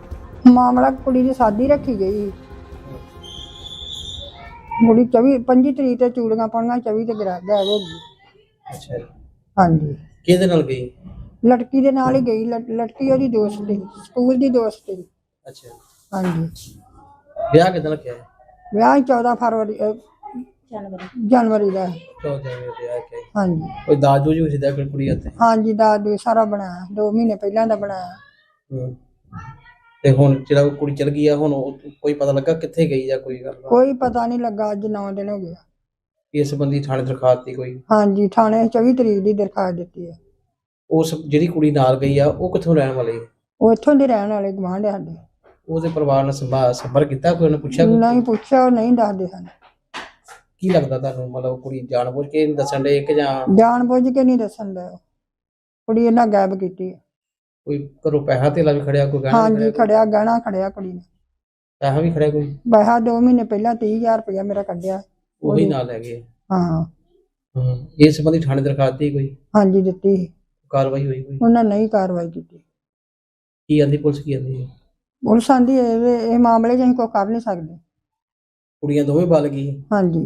S2: ਮਾਮਲਾ ਕੁੜੀ ਦੀ ਸ਼ਾਦੀ ਰੱਖੀ ਗਈ। ਕੁੜੀ ਚੌਵੀ ਪੰਜੀ ਤਰੀਕ ਤੇ ਚੂੜੀਆਂ ਪਾਉਣੀਆਂ, ਚੌਵੀ ਤੇ ਗਰਾ ਗਾਇਬ ਹੋ ਗਈ।
S3: ਅੱਛਾ।
S2: ਹਾਂਜੀ।
S3: ਕਿਹਦੇ ਨਾਲ ਗਈ?
S2: ਲੜਕੀ ਦੇ ਨਾਲ ਹੀ ਗਈ। ਲੜ- ਲੜਕੀ ਉਹਦੀ ਦੋਸਤ ਸੀ, ਸਕੂਲ ਦੀ ਦੋਸਤ ਸੀ।
S3: ਅੱਛਾ।
S2: ਹਾਂਜੀ।
S3: ਵਿਆਹ ਕਿਦਾਂ ਰੱਖਿਆ ਹੈ?
S2: ਵਿਆਹ ਚੌਦਾਂ ਫਰਵਰੀ ਅਹ,
S4: ਜਨਵਰੀ
S2: ਜਨਵਰੀ ਦਾ ਹੈ।
S3: ਚੌਦਾਂ ਜਨਵਰੀ ਵਿਆਹ ਕਿਹਾ?
S2: ਹਾਂਜੀ।
S3: ਕੋਈ ਦਾਜ ਦੂਜ ਵੀ ਸਿੱਧਾ ਕੁੜੀ ਹੱਥੇ?
S2: ਹਾਂਜੀ, ਦਾ ਦੋ ਸਾਰਾ ਬਣਾਇਆ, ਦੋ ਮਹੀਨੇ ਪਹਿਲਾਂ ਦਾ ਬਣਾਇਆ।
S3: ਹੂੰ। ਤੇ ਹੁਣ ਜਿਹੜਾ ਉਹ ਕੁੜੀ ਚਲ ਗਈ ਆ, ਹੁਣ ਉਹ ਕੋਈ ਪਤਾ ਲੱਗਾ ਕਿੱਥੇ ਗਈ ਜਾਂ ਕੋਈ ਗੱਲ?
S2: ਕੋਈ ਪਤਾ ਨਹੀਂ ਲੱਗਾ। ਅੱਜ ਨੌ ਦਿਨ ਹੋ ਗਏ।
S3: ਇਸ ਸੰਬੰਧੀ ਥਾਣੇ ਦਰਖਾਸਤ ਦੀ ਕੋਈ?
S2: ਹਾਂਜੀ, ਥਾਣੇ ਚੌਵੀ ਤਰੀਕ ਦੀ ਦਰਖਾਸਤ ਦਿੱਤੀ ਹੈ।
S3: ਉਸ ਜਿਹੜੀ ਕੁੜੀ ਨਾਲ ਗਈ ਆ ਉਹ ਕਿੱਥੋਂ ਰਹਿਣ ਵਾਲੀ ਹੈ?
S2: ਉਹ ਇੱਥੋਂ ਦੇ ਰਹਿਣ ਵਾਲੇ ਗੁਆਂਢ ਆ ਸਾਡੇ।
S3: ਉਹਦੇ ਪਰਿਵਾਰ ਨਾਲ ਸੰਭਾ ਸੰਪਰਕ ਕੀਤਾ? ਕੋਈ ਉਹਨੇ ਪੁੱਛਿਆ? ਕੋਈ?
S2: ਨਹੀਂ ਪੁੱਛਿਆ, ਉਹ ਨਹੀਂ ਦੱਸਦੇ ਹਨ।
S3: ਕੀ ਲੱਗਦਾ ਤੁਹਾਨੂੰ, ਮਤਲਬ ਕੁੜੀ ਜਾਣਬੁੱਝ ਕੇ ਨਹੀਂ ਦੱਸਣ ਦੇ ਕਿ ਜਾਂ
S2: ਜਾਣ ਬੁੱਝ ਕੇ ਨਹੀਂ ਦੱਸਣ ਦਾ? ਕੁੜੀ ਇਹਨਾਂ ਗਾਇਬ ਕੀਤੀ ਹੈ।
S3: ਕੋਈ ਘਰੋਂ ਪੈਸਾ ਧੇਲਾ ਵੀ ਖੜਿਆ, ਕੋਈ ਗਹਿਣਾ ਵੀ
S2: ਹਾਂਜੀ,
S3: ਖੜਿਆ?
S2: ਖੜਿਆ ਗਹਿਣਾ ਖੜਿਆ ਕੁੜੀ ਨੇ।
S3: ਪੈਸਾ ਵੀ ਖੜਿਆ ਕੋਈ?
S2: ਪੈਸਾ ਦੋ ਮਹੀਨੇ ਪਹਿਲਾਂ ਤੀਹ ਹਜ਼ਾਰ ਰੁਪਇਆ ਮੇਰਾ ਕੱਢਿਆ।
S3: ਉਹੀ ਨਾਲ ਲੈ ਗਏ?
S2: ਹਾਂ।
S3: ਹੂੰ। ਇਸ ਸੰਬੰਧੀ ਥਾਣੇ ਦਰਖਾਸਤ ਦੀ ਕੋਈ
S2: ਹਾਂਜੀ ਦਿੱਤੀ ਸੀ।
S3: ਕਾਰਵਾਈ ਹੋਈ ਕੋਈ?
S2: ਉਹਨਾਂ ਨਹੀਂ ਕਾਰਵਾਈ ਕੀਤੀ।
S3: ਕੀ ਆਂਦੀ ਪੁਲਿਸ, ਕੀ ਆਂਦੀ?
S2: ਪੁਲਿਸ ਆਂਦੀ ਇਹ ਇਹ ਮਾਮਲੇ 'ਚ ਅਸੀਂ ਕੋਈ ਕਰ ਨਹੀਂ ਸਕਦੇ।
S3: ਕੁੜੀਆਂ ਦੋਵੇਂ ਬਲ ਗਈ
S2: ਹਾਂਜੀ।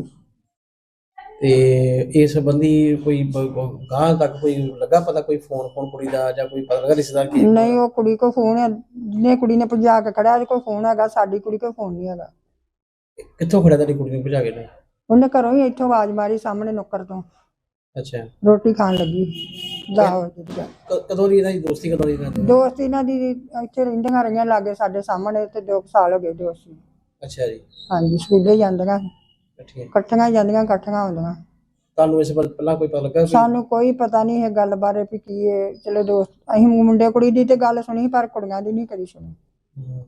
S3: ਤੇ ਇਸ ਸੰਬੰਧੀ ਕੋਈ ਗਾਂ ਤੱਕ ਕੋਈ ਲੱਗਾ ਪਤਾ, ਕੋਈ ਫੋਨ ਫੋਨ ਕੁੜੀ ਦਾ ਜਾਂ ਕੋਈ ਪਤਾ ਲੱਗਾ ਰਿਸ਼ਤੇਦਾਰ ਕੀ?
S2: ਨਹੀਂ, ਉਹ ਕੁੜੀ ਕੋ ਫੋਨ ਹੈ, ਜਿਹਨੇ ਕੁੜੀ ਨੇ ਭਜਾ ਕੇ ਖੜਿਆ ਉਹਦੇ ਕੋਲ ਫੋਨ ਹੈਗਾ, ਸਾਡੀ ਕੁੜੀ ਕੋਲ ਫੋਨ ਨਹੀਂ ਹੈਗਾ।
S3: ਕਿੱਥੋਂ ਖੜਿਆ ਤੁਹਾਡੀ ਕੁੜੀ ਨੂੰ ਭਜਾ ਕੇ ਨੇ?
S2: ਉਹਨੇ ਘਰੋਂ ਹੀ ਇੱਥੋਂ ਆਵਾਜ਼ ਮਾਰੀ ਸਾਹਮਣੇ ਨੁੱਕਰ ਤੋਂ,
S3: ਅੱਛਾ।
S2: ਰੋਟੀ ਖਾਣ ਲੱਗੀ। ਦਾ
S3: ਕ- ਕਦੋਂ ਦੀ ਇਹਨਾਂ ਦੀ ਦੋਸਤੀ, ਕਦੋਂ ਦੀ ਇਹਨਾਂ ਦੀ?
S2: ਦੋਸਤ ਇਹਨਾਂ ਦੀ ਇੱਥੇ ਰਹਿੰਦੀਆਂ ਰਹੀਆਂ ਲਾਗੇ ਸਾਡੇ ਸਾਹਮਣੇ, ਤੇ ਦੋ ਕੁ ਸਾਲ ਹੋ ਗਏ ਦੋਸਤ ਨੂੰ।
S3: ਅੱਛਾ ਜੀ।
S2: ਹਾਂਜੀ, ਸਕੂਲੇ ਜਾਂਦੀਆਂ,
S3: ਠੀਕ ਹੈ।
S2: ਇਕੱਠੀਆਂ ਜਾਂਦੀਆਂ, ਇਕੱਠੀਆਂ ਆਉਂਦੀਆਂ।
S3: ਤੁਹਾਨੂੰ ਇਸ ਬਾਰੇ ਪਹਿਲਾਂ ਕੋਈ ਪਤਾ ਲੱਗਾ ਕੋਈ?
S2: ਸਾਨੂੰ ਕੋਈ ਪਤਾ ਨਹੀਂ ਇਹ ਗੱਲ ਬਾਰੇ ਵੀ ਕੀ ਹੈ। ਚਲੋ ਦੋਸਤ, ਅਸੀਂ ਮੁੰਡੇ ਕੁੜੀ ਦੀ ਤੇ ਗੱਲ ਸੁਣੀ, ਪਰ ਕੁੜੀਆਂ ਦੀ ਨਹੀਂ ਕਦੀ ਸੁਣੀ।
S3: ਹੂੰ।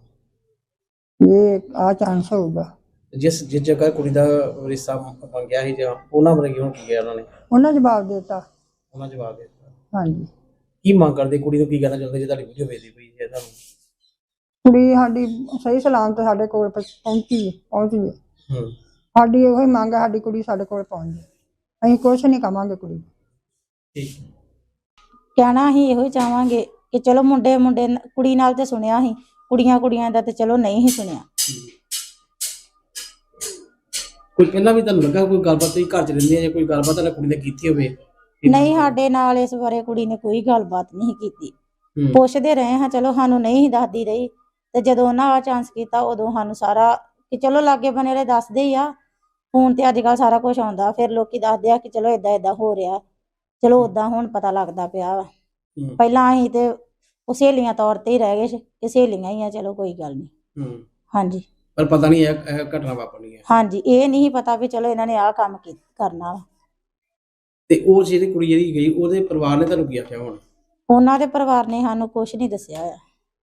S2: ਇਹ ਆ ਚਾਂਸ ਹੋਊਗਾ।
S3: ਜਿਸ ਜਿਸ ਜਗ੍ਹਾ ਕੁੜੀ ਦਾ ਰਿਸ਼ਤਾ ਮੰਗਿਆ ਸੀ ਜਾਂ ਉਹਨਾਂ ਬਾਰੇ ਕੀ ਹੁਣ ਕੀ ਗਿਆ ਉਹਨਾਂ ਨੇ?
S2: ਉਹਨਾਂ ਜਵਾਬ ਦੇ ਦਿੱਤਾ।
S3: ਉਹਨਾਂ ਜਵਾਬ ਦੇ ਦਿੱਤਾ?
S2: ਹਾਂਜੀ।
S3: ਕੀ ਮੰਗ ਕਰਦੇ ਕੁੜੀ ਨੂੰ, ਕੀ ਕਹਿਣਾ ਚਾਹੁੰਦੇ ਜੇ ਤੁਹਾਡੀ ਵੀਡੀਓ ਵੇਖਦੀ ਪਈ ਹੈ ਤੁਹਾਨੂੰ?
S2: ਕੁੜੀ ਸਾਡੀ ਸਹੀ ਸਲਾਮਤ ਸਾਡੇ ਕੋਲ ਪ- ਪਹੁੰਚੀ ਹੈ, ਪਹੁੰਚ ਗਈ।
S3: ਹੂੰ।
S2: ਸਾਡੀ ਇਹੋ ਹੀ ਮੰਗ ਹੈ, ਸਾਡੀ ਕੁੜੀ ਸਾਡੇ ਕੋਲ ਪਹੁੰਚ ਜਾਏ। ਅਸੀਂ ਕੁਛ ਨਹੀਂ ਕਵਾਂਗੇ ਕੁੜੀ ਨੂੰ।
S3: ਠੀਕ।
S4: ਕਹਿਣਾ ਅਸੀਂ ਇਹੋ ਹੀ ਚਾਹਾਂਗੇ ਕਿ ਚਲੋ ਮੁੰਡੇ ਮੁੰਡੇ ਨ- ਕੁੜੀ ਨਾਲ ਤੇ ਸੁਣਿਆ ਸੀ, ਕੁੜੀਆਂ ਕੁੜੀਆਂ ਦਾ ਤੇ ਚਲੋ ਨਹੀਂ ਹੀ ਸੁਣਿਆ।
S3: ਕੋਈ ਪਹਿਲਾਂ ਵੀ ਤੁਹਾਨੂੰ ਲੱਗਾ ਕੋਈ ਗੱਲਬਾਤ ਤੁਸੀਂ ਘਰ ਚ ਰਹਿੰਦੇ ਆ ਜਾਂ ਕੋਈ ਗੱਲਬਾਤ ਤੁਹਾਡੀ ਕੁੜੀ ਨੇ ਕੀਤੀ ਹੋਵੇ?
S4: ਨਹੀਂ, ਸਾਡੇ ਨਾਲ ਇਸ ਬਾਰੇ ਕੁੜੀ ਨੇ ਕੋਈ ਗੱਲਬਾਤ ਨਹੀਂ ਕੀਤੀ।
S3: ਹੂੰ।
S4: ਪੁੱਛਦੇ ਰਹੇ ਹਾਂ, ਚਲੋ ਸਾਨੂੰ ਨਹੀਂ ਸੀ ਦੱਸਦੀ ਰਹੀ, ਤੇ ਜਦੋਂ ਉਹਨਾਂ ਆ ਚਾਂਸ ਕੀਤਾ ਉਦੋਂ ਸਾਨੂੰ ਸਾਰਾ ਕਿ ਚਲੋ ਲਾਗੇ ਬਨੇ ਵਾਲੇ ਦੱਸਦੇ ਹੀ ਆ। ਫੋਨ ਤੇ ਅੱਜ ਕੱਲ ਸਾਰਾ ਕੁਝ ਆਉਂਦਾ, ਫਿਰ ਲੋਕੀ ਦੱਸਦੇ ਆ ਕਿ ਚਲੋ ਏਦਾਂ ਏਦਾਂ ਹੋ ਰਿਹਾ, ਚਲੋ ਓਦਾਂ ਹੁਣ ਪਤਾ ਲੱਗਦਾ ਪਿਆ ਵਾ।
S3: ਹੂੰ।
S4: ਪਹਿਲਾਂ ਅਸੀਂ ਤੇ ਉਹ ਸਹੇਲੀਆਂ ਤੌਰ ਤੇ ਹੀ ਰਹਿ ਗਏ ਸੀ ਕਿ ਸਹੇਲੀਆਂ ਹੀ ਆ, ਚਲੋ ਕੋਈ ਗੱਲ ਨਹੀਂ।
S3: ਹੂੰ।
S4: ਹਾਂਜੀ
S3: ਪਰ ਪਤਾ ਨਹੀਂ ਇਹ ਇਹ ਘਟਨਾ ਵਾਪਰਨੀ ਹੈ।
S4: ਹਾਂਜੀ, ਇਹ ਨਹੀਂ ਪਤਾ ਵੀ ਚਲੋ ਇਹਨਾਂ ਨੇ ਆਹ ਕੰਮ ਕੀ ਕਰਨਾ ਵਾ।
S3: ਤੇ ਉਹ ਜਿਹੜੀ ਕੁੜੀ ਜਿਹੜੀ ਗਈ ਉਹਦੇ ਪਰਿਵਾਰ ਨੇ ਤੁਹਾਨੂੰ ਕੀ ਆਖਿਆ ਹੁਣ?
S4: ਉਹਨਾਂ ਦੇ ਪਰਿਵਾਰ ਨੇ ਸਾਨੂੰ ਕੁਝ ਨਹੀਂ ਦੱਸਿਆ ਹੋਇਆ।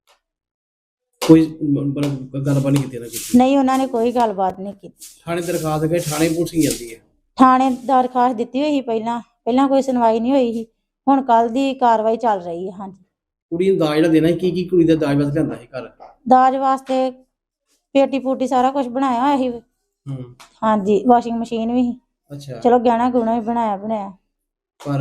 S3: ਕੋਈ ਮਤਲਬ ਗੱਲਬਾਤ ਨਹੀਂ ਕੀਤੀ ਨਾ ਕੀਤੀ?
S4: ਨਹੀਂ, ਉਹਨਾਂ ਨੇ ਕੋਈ ਗੱਲਬਾਤ ਨਹੀਂ ਕੀਤੀ।
S3: ਥਾਣੇ ਦਰਖਾਸਤ ਗਏ, ਥਾਣੇ ਪੁਲਿਸ ਹੀ ਜਾਂਦੀ ਹੈ?
S4: ਥਾਣੇ ਦਰਖਾਸਤ ਦਿੱਤੀ ਹੋਈ ਸੀ ਪਹਿਲਾਂ ਪਹਿਲਾਂ ਕੋਈ ਸੁਣਵਾਈ ਨਹੀਂ ਹੋਈ ਸੀ। ਹੁਣ ਕੱਲ ਦੀ ਕਾਰਵਾਈ ਚੱਲ ਰਹੀ ਹੈ। ਹਾਂਜੀ,
S3: ਕੁੜੀ ਨੂੰ ਦਾਜ ਜਿਹੜਾ ਦੇਣਾ ਸੀ, ਕੀ ਕੀ ਕੁੜੀ ਦਾ ਦਾਜ ਵਾਸਤੇ ਲਿਆਂਦਾ ਸੀ ਘਰ?
S4: ਦਾਜ ਵਾਸਤੇ ਪੇਟੀ ਪੂਟੀ ਸਾਰਾ ਕੁਝ ਬਣਾਇਆ ਹੋਇਆ ਸੀ।
S3: ਹੂੰ।
S4: ਹਾਂਜੀ, ਵਾਸ਼ਿੰਗ ਮਸ਼ੀਨ ਵੀ ਸੀ,
S3: ਅੱਛਾ।
S4: ਚਲੋ ਗਹਿਣਾ ਗੁਣਾ ਵੀ ਬਣਾਇਆ ਬਣਾਇਆ।
S3: ਪਰ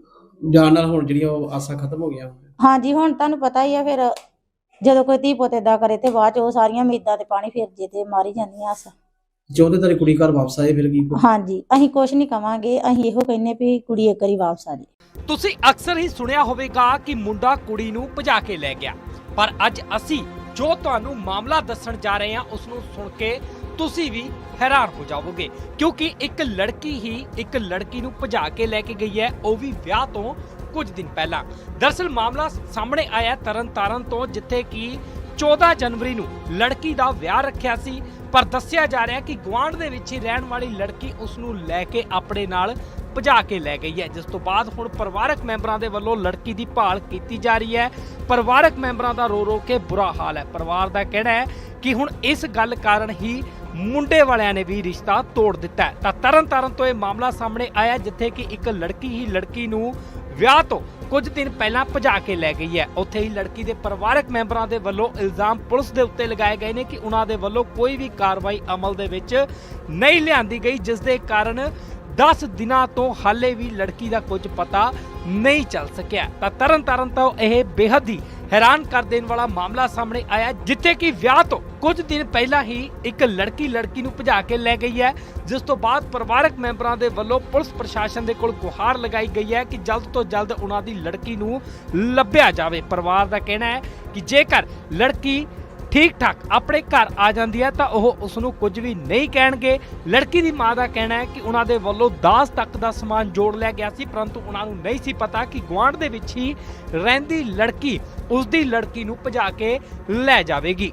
S3: ਜਾਣ ਨਾਲ ਹੁਣ ਜਿਹੜੀਆਂ ਉਹ ਆਸਾਂ ਖਤਮ ਹੋ ਗਈਆਂ।
S4: ਹਾਂਜੀ, ਹੁਣ ਤੁਹਾਨੂੰ ਪਤਾ ਹੀ ਆ, ਫਿਰ ਜਦੋਂ ਕੋਈ ਧੀ ਪੁੱਤ ਏਦਾਂ ਕਰੇ ਤੇ ਬਾਅਦ ਚ ਉਹ ਸਾਰੀਆਂ ਉਮੀਦਾਂ ਤੇ ਪਾਣੀ ਫਿਰ ਜੇ ਤੇ ਮਾਰੀ ਜਾਂਦੀਆਂ ਆਸਾਂ।
S3: ਜੋ ਤੇ ਤੇਰੀ ਕੁੜੀ ਘਰ ਵਾਪਸ ਆਏ ਫਿਰ ਕੀ?
S4: ਹਾਂਜੀ, ਅਸੀਂ ਕੁਝ ਨਹੀਂ ਕਵਾਂਗੇ, ਅਸੀਂ ਇਹੋ ਕਹਿੰਨੇ ਵੀ ਕੁੜੀ ਇੱਕ ਵਾਰੀ ਵਾਪਸ ਆ ਜਾਏ।
S1: ਤੁਸੀਂ ਅਕਸਰ ਹੀ ਸੁਣਿਆ ਹੋਵੇਗਾ ਕਿ ਮੁੰਡਾ ਕੁੜੀ ਨੂੰ ਭਜਾ ਕੇ ਲੈ ਗਿਆ, ਪਰ ਅੱਜ ਅਸੀਂ ਜੋ ਤੁਹਾਨੂੰ ਮਾਮਲਾ ਦੱਸਣ ਜਾ ਰਹੇ ਹਾਂ ਉਸ ਨੂੰ ਸੁਣ ਕੇ ਤੁਸੀਂ ਵੀ ਹੈਰਾਨ ਹੋ ਜਾਵੋਗੇ, ਕਿਉਂਕਿ ਇੱਕ ਲੜਕੀ ਹੀ ਇੱਕ ਲੜਕੀ ਨੂੰ ਭਜਾ ਕੇ ਲੈ ਕੇ ਗਈ ਹੈ, ਉਹ ਵੀ ਵਿਆਹ ਤੋਂ ਕੁਝ ਦਿਨ ਪਹਿਲਾਂ। ਦਰਅਸਲ ਮਾਮਲਾ ਸਾਹਮਣੇ ਆਇਆ ਤਰਨਤਾਰਨ ਤੋਂ, ਜਿੱਥੇ ਕਿ ਚੌਦਾਂ ਜਨਵਰੀ ਨੂੰ ਲੜਕੀ ਦਾ ਵਿਆਹ ਰੱਖਿਆ ਸੀ, ਪਰ ਦੱਸਿਆ ਜਾ ਰਿਹਾ ਕਿ ਗੁਆਂਢ ਦੇ ਵਿੱਚ ਹੀ ਰਹਿਣ ਵਾਲੀ ਲੜਕੀ ਉਸ ਨੂੰ ਲੈ ਕੇ ਆਪਣੇ ਨਾਲ ਭਜਾ ਕੇ ਲੈ ਗਈ ਹੈ, ਜਿਸ ਤੋਂ ਬਾਅਦ ਹੁਣ ਪਰਿਵਾਰਕ ਮੈਂਬਰਾਂ ਦੇ ਵੱਲੋਂ ਲੜਕੀ ਦੀ ਭਾਲ ਕੀਤੀ ਜਾ ਰਹੀ ਹੈ। ਪਰਿਵਾਰਕ ਮੈਂਬਰਾਂ ਦਾ ਰੋ ਰੋ ਕੇ ਬੁਰਾ ਹਾਲ ਹੈ। ਪਰਿਵਾਰ ਦਾ ਕਹਿਣਾ ਹੈ ਕਿ ਹੁਣ ਇਸ ਗੱਲ ਕਾਰਨ ਹੀ ਮੁੰਡੇ ਵਾਲਿਆਂ ਨੇ ਵੀ ਰਿਸ਼ਤਾ ਤੋੜ ਦਿੱਤਾ ਹੈ। ਤਾਂ ਤਰਨਤਾਰਨ ਤੋਂ ਇਹ ਮਾਮਲਾ ਸਾਹਮਣੇ ਆਇਆ, ਜਿੱਥੇ ਕਿ ਇੱਕ ਲੜਕੀ ਹੀ ਲੜਕੀ ਨੂੰ ਵਿਆਹ ਤੋਂ ਕੁਝ ਦਿਨ ਪਹਿਲਾਂ ਭਜਾ ਕੇ ਲੈ ਗਈ ਹੈ। ਉੱਥੇ ਹੀ ਲੜਕੀ ਦੇ ਪਰਿਵਾਰਕ ਮੈਂਬਰਾਂ ਦੇ ਵੱਲੋਂ ਇਲਜ਼ਾਮ ਪੁਲਿਸ ਦੇ ਉੱਤੇ ਲਗਾਏ ਗਏ ਨੇ ਕਿ ਉਹਨਾਂ ਦੇ ਵੱਲੋਂ ਕੋਈ ਵੀ ਕਾਰਵਾਈ ਅਮਲ ਦੇ ਵਿੱਚ ਨਹੀਂ ਲਿਆਂਦੀ ਗਈ, ਜਿਸ ਦੇ ਕਾਰਨ ਦਸ ਦਿਨਾਂ ਤੋਂ ਹਾਲੇ ਵੀ ਲੜਕੀ ਦਾ ਕੁਝ ਪਤਾ ਨਹੀਂ ਚੱਲ ਸਕਿਆ। ਤਾਂ ਤਰਨਤਾਰਨ ਤੋਂ ਇਹ ਬੇਹੱਦ ਹੀ ਹੈਰਾਨ ਕਰ ਦੇਣ ਵਾਲਾ ਮਾਮਲਾ ਸਾਹਮਣੇ ਆਇਆ, ਜਿੱਥੇ ਕਿ ਵਿਆਹ ਤੋਂ ਕੁਝ ਦਿਨ ਪਹਿਲਾਂ ਹੀ ਇੱਕ ਲੜਕੀ ਲੜਕੀ ਨੂੰ ਭਜਾ ਕੇ ਲੈ ਗਈ ਹੈ, ਜਿਸ ਤੋਂ ਬਾਅਦ ਪਰਿਵਾਰਕ ਮੈਂਬਰਾਂ ਦੇ ਵੱਲੋਂ ਪੁਲਿਸ ਪ੍ਰਸ਼ਾਸਨ ਦੇ ਕੋਲ ਗੁਹਾਰ ਲਗਾਈ ਗਈ ਹੈ ਕਿ ਜਲਦ ਤੋਂ ਜਲਦ ਉਹਨਾਂ ਦੀ ਲੜਕੀ ਨੂੰ ਲੱਭਿਆ ਜਾਵੇ। ਪਰਿਵਾਰ ਦਾ ਕਹਿਣਾ ਹੈ ਕਿ ਜੇਕਰ ਲੜਕੀ ਠੀਕ ਠਾਕ ਆਪਣੇ ਘਰ ਆ ਜਾਂਦੀ ਹੈ ਤਾਂ ਉਹ ਉਸ ਨੂੰ ਕੁਝ ਵੀ ਨਹੀਂ ਕਹਿਣਗੇ। ਲੜਕੀ ਦੀ ਮਾਂ ਦਾ ਕਹਿਣਾ ਹੈ ਕਿ ਉਹਨਾਂ ਦੇ ਵੱਲੋਂ ਦਾਜ ਤੱਕ ਦਾ ਸਮਾਨ ਜੋੜ ਲਿਆ ਗਿਆ ਸੀ, ਪਰੰਤੂ ਉਹਨਾਂ ਨੂੰ ਨਹੀਂ ਸੀ ਪਤਾ ਕਿ ਗੁਆਂਢ ਦੇ ਵਿੱਚ ਹੀ ਰਹਿੰਦੀ ਲੜਕੀ ਉਸ ਦੀ ਲੜਕੀ ਨੂੰ ਭਜਾ ਕੇ ਲੈ ਜਾਵੇਗੀ।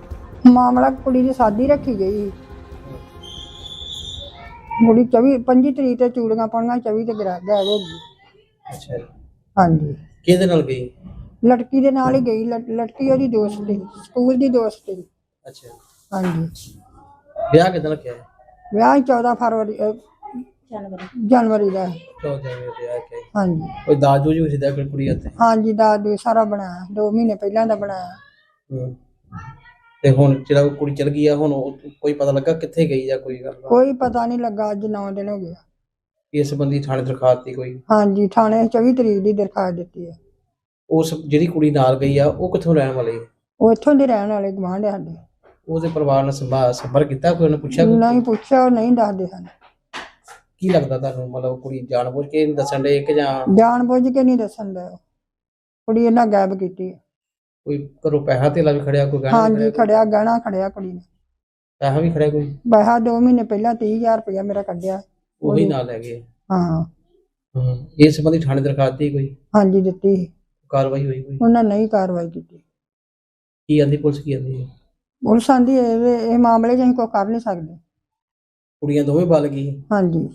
S2: ਮਾਮਲਾ ਕੁੜੀ ਦੀ ਸ਼ਾਦੀ ਰੱਖੀ ਗਈ। ਕੁੜੀ ਚੌਵੀ ਪੰਜੀ ਤਰੀਕ ਤੇ ਚੂੜੀਆਂ ਪਾਉਣੀਆਂ, ਚੌਵੀ ਤੇ ਗਰਾ ਗਾਇਬ ਹੋ ਗਈ।
S3: ਅੱਛਾ।
S2: ਹਾਂਜੀ,
S3: ਕਿਹਦੇ ਨਾਲ ਗਈ?
S2: ਲੜਕੀ ਦੇ ਨਾਲ ਹੀ ਗਈ। ਲੜ- ਲੜਕੀ ਉਹਦੀ ਦੋਸਤ ਸੀ, ਸਕੂਲ ਦੀ ਦੋਸਤ ਸੀ।
S3: ਅੱਛਾ।
S2: ਹਾਂਜੀ,
S3: ਵਿਆਹ ਕਿਦਾਂ ਰੱਖਿਆ ਹੈ?
S2: ਵਿਆਹ ਚੌਦਾਂ ਫਰਵਰੀ ਅਹ,
S4: ਜਨਵਰੀ
S2: ਜਨਵਰੀ ਦਾ।
S3: ਚੌਦਾਂ ਜਨਵਰੀ ਦਾ ਵਿਆਹ ਕਿਹਾ?
S2: ਹਾਂਜੀ
S3: ਕੋਈ ਦਾਜ ਦੂਜ ਵੀ ਸਿੱਧਾ ਕੋਈ ਕੁੜੀ ਹੱਥੇ?
S2: ਹਾਂਜੀ, ਦਾਜ ਸਾਰਾ ਬਣਾਇਆ, ਦੋ ਮਹੀਨੇ ਪਹਿਲਾਂ ਦਾ ਬਣਾਇਆ।
S3: ਹੂੰ। ਤੇ ਹੁਣ ਜਿਹੜਾ ਉਹ ਕੁੜੀ ਚਲ ਗਈ ਆ, ਹੁਣ ਉਹ ਕੋਈ ਪਤਾ ਲੱਗਾ ਕਿੱਥੇ ਗਈ ਜਾਂ ਕੋਈ ਗੱਲ?
S2: ਕੋਈ ਪਤਾ ਨਹੀਂ ਲੱਗਾ, ਅੱਜ ਨੌ ਦਿਨ ਹੋ ਗਏ।
S3: ਇਸ ਸੰਬੰਧੀ ਥਾਣੇ ਦਰਖਾਸਤ ਦੀ ਕੋਈ?
S2: ਹਾਂਜੀ, ਥਾਣੇ ਚੌਵੀ ਤਰੀਕ ਦੀ ਦਰਖਾਸਤ ਦਿੱਤੀ ਹੈ।
S3: ਉਸ ਜਿਹੜੀ ਕੁੜੀ ਨਾਲ ਗਈ ਆ ਉਹ ਕਿੱਥੋਂ ਰਹਿਣ ਵਾਲੀ?
S2: ਉਹ ਇੱਥੋਂ ਦੇ ਰਹਿਣ ਵਾਲੇ ਗੁਆਂਢ ਆ ਸਾਡੇ।
S3: ਉਹਦੇ ਪਰਿਵਾਰ ਨਾਲ ਸੰਭਾ ਸੰਪਰਕ ਕੀਤਾ? ਕੋਈ ਉਹਨੇ ਪੁੱਛਿਆ? ਕੋਈ?
S2: ਨਹੀਂ ਪੁੱਛਿਆ, ਉਹ ਨਹੀਂ ਦੱਸਦੇ ਹਨ।
S3: ਕੀ ਲੱਗਦਾ ਤੁਹਾਨੂੰ, ਮਤਲਬ ਕੁੜੀ ਜਾਣਬੁੱਝ ਕੇ ਨਹੀਂ ਦੱਸਣ ਦੇ ਕਿ ਜਾਂ
S2: ਜਾਣ ਬੁੱਝ ਕੇ ਨਹੀਂ ਦੱਸਣ ਦਾ? ਕੁੜੀ ਇਹਨਾਂ ਗਾਇਬ ਕੀਤੀ ਹੈ।
S3: ਕੋਈ ਘਰੋਂ ਪੈਸਾ ਧੇਲਾ ਵੀ ਖੜਿਆ, ਕੋਈ ਗਹਿਣਾ ਵੀ
S2: ਹਾਂਜੀ,
S3: ਖੜਿਆ?
S2: ਖੜਿਆ ਗਹਿਣਾ ਖੜਿਆ ਕੁੜੀ ਨੇ।
S3: ਪੈਸਾ ਵੀ ਖੜਿਆ ਕੋਈ?
S2: ਪੈਸਾ ਦੋ ਮਹੀਨੇ ਪਹਿਲਾਂ ਤੀਹ ਹਜ਼ਾਰ ਰੁਪਇਆ ਮੇਰਾ ਕੱਢਿਆ।
S3: ਉਹੀ ਨਾਲ ਲੈ ਗਏ?
S2: ਹਾਂ।
S3: ਹੂੰ। ਇਸ ਸੰਬੰਧੀ ਥਾਣੇ ਦਰਖਾਸਤ ਦੀ ਕੋਈ
S2: ਹਾਂਜੀ, ਦਿੱਤੀ ਸੀ।
S3: ਕਾਰਵਾਈ ਹੋਈ ਕੋਈ?
S2: ਉਹਨਾਂ ਨਹੀਂ ਕਾਰਵਾਈ ਕੀਤੀ।
S3: ਕੀ ਆਂਦੀ ਪੁਲਿਸ, ਕੀ ਆਂਦੀ ਹੈ?
S2: ਪੁਲਿਸ ਆਂਦੀ ਇਹ ਇਹ ਮਾਮਲੇ 'ਚ ਅਸੀਂ ਕੋਈ ਕਰ ਨਹੀਂ ਸਕਦੇ।
S3: ਕੁੜੀਆਂ ਦੋਵੇਂ ਬਲ ਗਈ
S2: ਹਾਂਜੀ,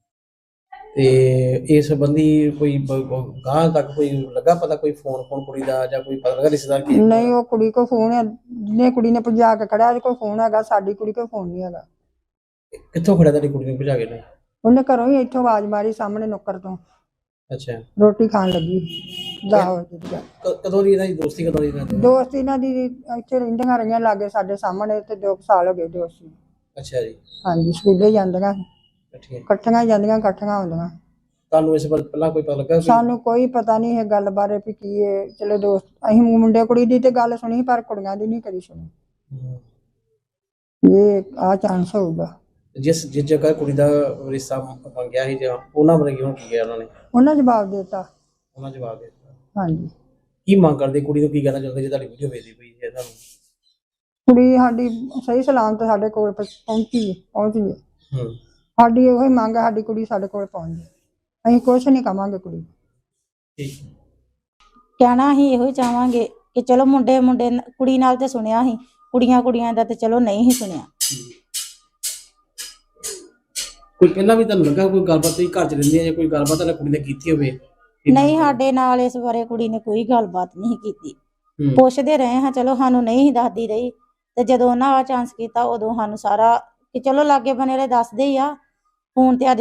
S3: ਤੇ ਇਸ ਸੰਬੰਧੀ ਕੋਈ ਗਾਂ ਤੱਕ ਕੋਈ ਲੱਗਾ ਪਤਾ, ਕੋਈ ਫੋਨ ਫੋਨ ਕੁੜੀ ਦਾ ਜਾਂ ਕੋਈ ਪਤਾ ਲੱਗਾ ਰਿਸ਼ਤੇਦਾਰ ਕੀ?
S2: ਨਹੀਂ, ਉਹ ਕੁੜੀ ਕੋ ਫੋਨ ਹੈ, ਜਿਹਨੇ ਕੁੜੀ ਨੇ ਭਜਾ ਕੇ ਖੜਿਆ ਉਹਦੇ ਕੋਲ ਫੋਨ ਹੈਗਾ, ਸਾਡੀ ਕੁੜੀ ਕੋਲ ਫੋਨ ਨਹੀਂ ਹੈਗਾ।
S3: ਕਿੱਥੋਂ ਖੜਿਆ ਤੁਹਾਡੀ ਕੁੜੀ ਨੂੰ ਭਜਾ ਕੇ ਲੈ?
S2: ਉਹਨੇ ਘਰੋਂ ਹੀ ਇੱਥੋਂ ਆਵਾਜ਼ ਮਾਰੀ ਸਾਹਮਣੇ ਨੁੱਕਰ ਤੋਂ,
S3: ਅੱਛਾ।
S2: ਰੋਟੀ ਖਾਣ ਲੱਗੀ। ਦਸ ਵਜੇ ਦੀ ਗੱਲ।
S3: ਕ- ਕਦੋਂ ਦੀ ਇਹਨਾਂ ਦੀ ਦੋਸਤੀ, ਕਦੋਂ ਦੀ ਇਹਨਾਂ ਦੀ?
S2: ਦੋਸਤ ਇਹਨਾਂ ਦੀ ਇੱਥੇ ਰਹਿੰਦੀਆਂ ਰਹੀਆਂ ਲਾਗੇ ਸਾਡੇ ਸਾਹਮਣੇ, ਤੇ ਦੋ ਕੁ ਸਾਲ ਹੋ ਗਏ ਦੋਸਤੀ।
S3: ਅੱਛਾ ਜੀ।
S2: ਹਾਂਜੀ, ਸਕੂਲੇ ਜਾਂਦੀਆਂ,
S3: ਠੀਕ ਹੈ।
S2: ਇਕੱਠੀਆਂ ਹੀ ਜਾਂਦੀਆਂ, ਇਕੱਠੀਆਂ ਆਉਂਦੀਆਂ।
S3: ਤੁਹਾਨੂੰ ਇਸ ਬਾਰੇ ਪਹਿਲਾਂ ਕੋਈ ਪਤਾ ਲੱਗਾ ਕੋਈ?
S2: ਸਾਨੂੰ ਕੋਈ ਪਤਾ ਨਹੀਂ ਇਹ ਗੱਲ ਬਾਰੇ ਵੀ ਕੀ ਹੈ। ਚਲੋ ਦੋਸਤ, ਅਸੀਂ ਮੁੰਡੇ ਕੁੜੀ ਦੀ ਤੇ ਗੱਲ ਸੁਣੀ, ਪਰ ਕੁੜੀਆਂ ਦੀ ਨਹੀਂ ਕਦੀ ਸੁਣੀ।
S3: ਹੂੰ।
S2: ਇਹ ਆ ਚਾਂਸ ਹੋਊਗਾ।
S3: ਜਿਸ ਜਿਸ ਜਗ੍ਹਾ ਕੁੜੀ ਦਾ ਰਿਸ਼ਤਾ ਮੰਗਿਆ ਸੀ ਜਾਂ ਉਹਨਾਂ ਬਾਰੇ ਹੁਣ ਕੀ ਕਿਹਾ ਉਹਨਾਂ ਨੇ?
S2: ਉਹਨਾਂ ਜਵਾਬ ਦੇ ਦਿੱਤਾ।
S3: ਉਹਨਾਂ ਜਵਾਬ ਦੇ ਦਿੱਤਾ।
S2: ਹਾਂਜੀ।
S3: ਕੀ ਮੰਗ ਕਰਦੇ ਕੁੜੀ ਨੂੰ, ਕੀ ਕਹਿਣਾ ਚਾਹੁੰਦੇ ਜੇ ਤੁਹਾਡੀ ਵੀਡੀਓ ਵੇਖਦੀ ਪਈ ਹੈ ਤੁਹਾਨੂੰ?
S2: ਕੁੜੀ ਸਾਡੀ ਸਹੀ ਸਲਾਮਤ ਸਾਡੇ ਕੋਲ ਪ- ਪਹੁੰਚੀ ਹੈ ਪਹੁੰਚ ਗਈ।
S3: ਹੂੰ
S2: ਸਾਡੀ ਇਹੋ ਹੀ ਮੰਗ ਹੈ, ਸਾਡੀ ਕੁੜੀ ਸਾਡੇ ਕੋਲ ਪਹੁੰਚ ਜਾਏ। ਅਸੀਂ ਕੁਛ ਨਹੀਂ ਕਵਾਂਗੇ ਕੁੜੀ ਨੂੰ।
S3: ਠੀਕ।
S4: ਕਹਿਣਾ ਅਸੀਂ ਇਹੋ ਹੀ ਚਾਹਾਂਗੇ ਕਿ ਚਲੋ ਮੁੰਡੇ ਮੁੰਡੇ ਨ- ਕੁੜੀ ਨਾਲ ਤੇ ਸੁਣਿਆ ਸੀ, ਕੁੜੀਆਂ ਕੁੜੀਆਂ ਦਾ ਤੇ ਚਲੋ ਨਹੀਂ ਹੀ ਸੁਣਿਆ।
S3: ਕੋਈ ਪਹਿਲਾਂ ਵੀ ਤੁਹਾਨੂੰ ਲੱਗਾ ਕੋਈ ਗੱਲਬਾਤ ਤੁਸੀਂ ਘਰ ਚ ਰਹਿੰਦੇ ਆ ਜਾਂ ਕੋਈ ਗੱਲਬਾਤ ਤੁਹਾਡੀ ਕੁੜੀ ਨੇ ਕੀਤੀ ਹੋਵੇ?
S4: ਨਹੀਂ, ਸਾਡੇ ਨਾਲ ਇਸ ਬਾਰੇ ਕੁੜੀ ਨੇ ਕੋਈ ਗੱਲਬਾਤ ਨਹੀਂ ਕੀਤੀ।
S3: ਹੂੰ।
S4: ਪੁੱਛਦੇ ਰਹੇ ਹਾਂ, ਚਲੋ ਸਾਨੂੰ ਨਹੀਂ ਸੀ ਦੱਸਦੀ ਰਹੀ, ਤੇ ਜਦੋਂ ਉਹਨਾਂ ਆ ਚਾਂਸ ਕੀਤਾ ਉਦੋਂ ਸਾਨੂੰ ਸਾਰਾ ਕਿ ਚਲੋ ਲਾਗੇ ਬਨੇ ਵਾਲੇ ਦੱਸਦੇ ਹੀ ਆ। ਫੋਨ ਤੇ ਅੱਜ